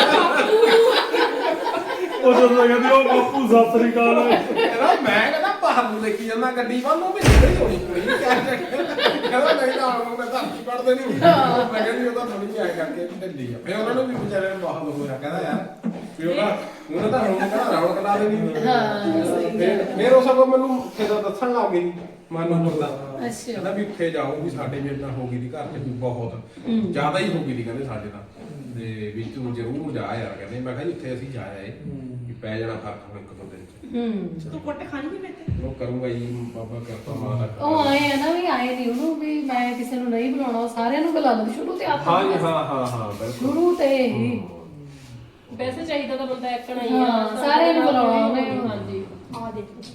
Speaker 3: ਉਹ ਜਦੋਂ ਕਹਿੰਦੀ ਉਹ ਬਾਪੂ ਸਤਿ ਸ੍ਰੀ ਅਕਾਲ
Speaker 1: ਕਹਿੰਦਾ ਮੈਂ ਕਹਿੰਦਾ ਬਾਹਰ ਨੂੰ ਦੇਖੀ ਜਾਂਦਾ ਗੱਡੀ ਵੱਲ ਨੂੰ ਵੀ ਨਿਕਲੀ ਹੋਣੀ ਕੁੜੀ ਕਹਿੰਦਾ ਨਹੀਂ ਤਾਂ ਹੁਣ ਮੈਂ ਧਰਤੀ ਪੜਦੇ ਨਹੀਂ ਮੈਂ ਕਹਿੰਦੀ ਉਹਦਾ ਥੋੜੀ ਜਿਹੀ ਆਏ ਕਰਕੇ ਢਿੱਲੀ ਆ ਫਿਰ ਉਹਨਾਂ ਨੂੰ ਵੀ ਵਿਚਾਰੇ ਨੂੰ ਬਹੁਤ ਹੋਇਆ ਕਹਿੰਦਾ ਯਾਰ ਵੀ ਉਹਨੇ ਤਾਂ ਹੁਣ ਕਹਿੰਦਾ ਰੌਣਕ ਲਾ ਦੇਣੀ ਫਿਰ ਉਹ ਸਭ ਮੈਨੂੰ ਕਿਦੋਂ ਦੱਸਣ ਲੱਗ ਗਈ ਮਨ ਨੂੰ ਮੁਰਦਾ
Speaker 2: ਅੱਛਾ
Speaker 1: ਕਹਿੰਦਾ ਵੀ ਉੱਥੇ ਜਾਓ ਵੀ ਸਾਡੇ ਮੇਰੇ ਨਾਲ ਹੋ ਗਈ ਦੀ ਘਰ 'ਚ ਵੀ ਬਹੁਤ ਜ਼ਿਆਦਾ ਹੀ ਹੋ ਗਈ ਦੀ ਕਹਿੰਦੇ ਸਾਡੇ ਨਾਲ ਤੇ ਵੀ ਤੂੰ ਜ਼ਰੂਰ ਜਾ ਯਾਰ ਕਹਿੰਦੇ ਮੈਂ ਕਿਹਾ ਜੀ ਉੱਥੇ ਅਸੀਂ ਜਾ ਆਏ ਵੀ ਪੈ ਜਾਣਾ ਫਰਕ ਹੁਣ 1-2 ਦਿਨ 'ਚ
Speaker 5: ਤੂੰ ਕੁੱਟ ਖਾਣੀ ਨਹੀਂ ਮੇਰੇ
Speaker 1: ਉਹ ਕਰੂੰਗਾ ਜੀ ਬਾਬਾ ਕਿਰਪਾ ਮਾਂ ਦਾ
Speaker 2: ਉਹ ਆਏ ਆ ਨਾ ਵੀ ਆਏ ਨਹੀਂ ਉਹਨੂੰ ਵੀ ਮੈਂ ਕਿਸੇ ਨੂੰ ਨਹੀਂ ਬੁਲਾਉਣਾ ਉਹ ਸਾਰਿਆਂ ਨੂੰ ਬੁਲਾ ਲੈਂਦੀ ਸ਼ੁਰੂ ਤੇ ਆਪ
Speaker 1: ਹਾਂ ਜੀ ਹਾਂ ਬਿਲਕੁਲ
Speaker 2: ਸ਼ੁਰੂ ਤੇ ਹੀ
Speaker 4: ਵੈਸੇ ਚਾਹੀਦਾ ਤਾਂ ਬੰਦਾ ਇੱਕਣਾ ਹੀ
Speaker 2: ਹਾਂ, ਸਾਰਿਆਂ ਨੂੰ ਬੁਲਾਉਣਾ ਉਹਨੇ।
Speaker 4: ਹਾਂਜੀ
Speaker 5: ਆ ਦੇਖੋ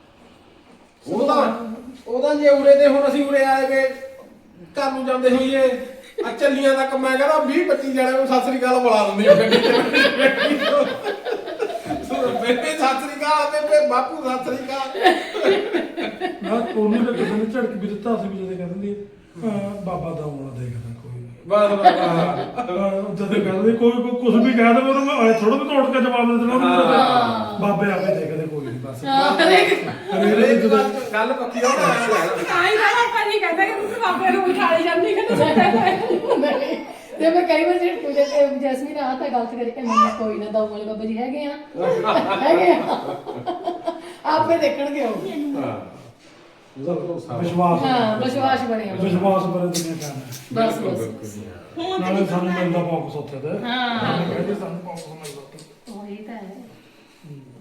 Speaker 1: ਉਹਦਾ ਜੇ ਉਰੇ ਦੇ ਹੁਣ ਅਸੀਂ ਉਰੇ ਆਏ ਵੇ ਘਰ ਨੂੰ ਜਾਂਦੇ ਹੋਈਏ ਆ ਚੱਲੀਆਂ ਤੱਕ ਮੈਂ ਕਹਿੰਦਾ 20-25 ਜਣੇ ਨੂੰ ਸਤਿ ਸ੍ਰੀ ਅਕਾਲ ਬੁਲਾ ਦਿੰਦੀ ਆ ਗੱਡੀ 'ਚ ਬੇਬੇ ਸਤਿ ਸ੍ਰੀ ਅਕਾਲ ਬੇਬੇ ਬਾਪੂ ਸਤਿ ਸ੍ਰੀ ਅਕਾਲ
Speaker 3: ਨਾ ਉਹਨੂੰ ਤਾਂ ਕਿਸੇ ਨੇ ਝੜਕ ਵੀ ਦਿੱਤਾ ਸੀ ਵੀ ਜਦੋਂ ਕਹਿੰਦੀ ਬਾਬਾ ਦਾ ਆਉਣਾ ਦੇਖਦਾ ਕੋਈ ਨੀ।
Speaker 1: ਬਸ
Speaker 3: ਜਦੋਂ ਕਹਿੰਦੇ ਕੋਈ ਕੁਝ ਵੀ ਕਹਿ ਦੇਵੇ ਉਹਨੂੰ ਮੈਂ ਥੋੜਾ ਵੀ ਤੋੜ ਕੇ ਜਵਾਬ ਦੇ ਦੇਣਾ ਉਹਨੂੰ। ਬਾਬੇ ਆਪੇ ਦੇਖਦੇ ਕੋਈ ਨਹੀਂ ਬਸ
Speaker 1: ਹਰੇਕ ਗੱਲ ਪੱਕੀ ਹੋ ਨਾ
Speaker 4: ਤਾਂ ਹੀ ਤਾਂ ਆਪਾਂ ਨਹੀਂ ਕਹਿੰਦੇ ਕਿ ਤੁਸੀਂ ਬਾਬੇ ਨੂੰ ਉਠਾਲੀ ਜਾਂਦੀ ਕਿ ਤੁਸੀਂ
Speaker 2: ਨਹੀਂ ਤੇ ਮੈਂ ਕਈ ਵਾਰ ਜਿਹੜੇ ਜੈਸਮੀਨ ਆ ਤਾਂ ਗਲਤ ਕਰਕੇ ਮੰਮੀ ਕੋਈ ਨਾ ਦਊ ਵਾਲੇ ਬਾਬਾ ਜੀ ਹੈਗੇ ਆ ਆਪੇ ਦੇਖਣਗੇ ਉਹ
Speaker 1: ਹਾਂ ਉਹਦਾ ਭਰੋਸਾ
Speaker 3: ਵਿਸ਼ਵਾਸ
Speaker 2: ਹਾਂ ਵਿਸ਼ਵਾਸ ਬਣਿਆ
Speaker 3: ਵਿਸ਼ਵਾਸ ਬਰੇ ਦੁਨੀਆ ਕਰਨਾ
Speaker 2: ਬਸ ਬਸ
Speaker 5: ਹੁਣ
Speaker 3: ਨਾਲੇ ਸਾਨੂੰ ਮਿਲਦਾ ਵਾਪਸ ਉੱਥੇ ਤੇ
Speaker 2: ਹਾਂ
Speaker 3: ਕਹਿੰਦੇ ਸਾਨੂੰ ਵਾਪਸ ਮਿਲਦਾ ਉੱਥੇ
Speaker 2: ਉਹੀ ਤਾਂ ਹੈ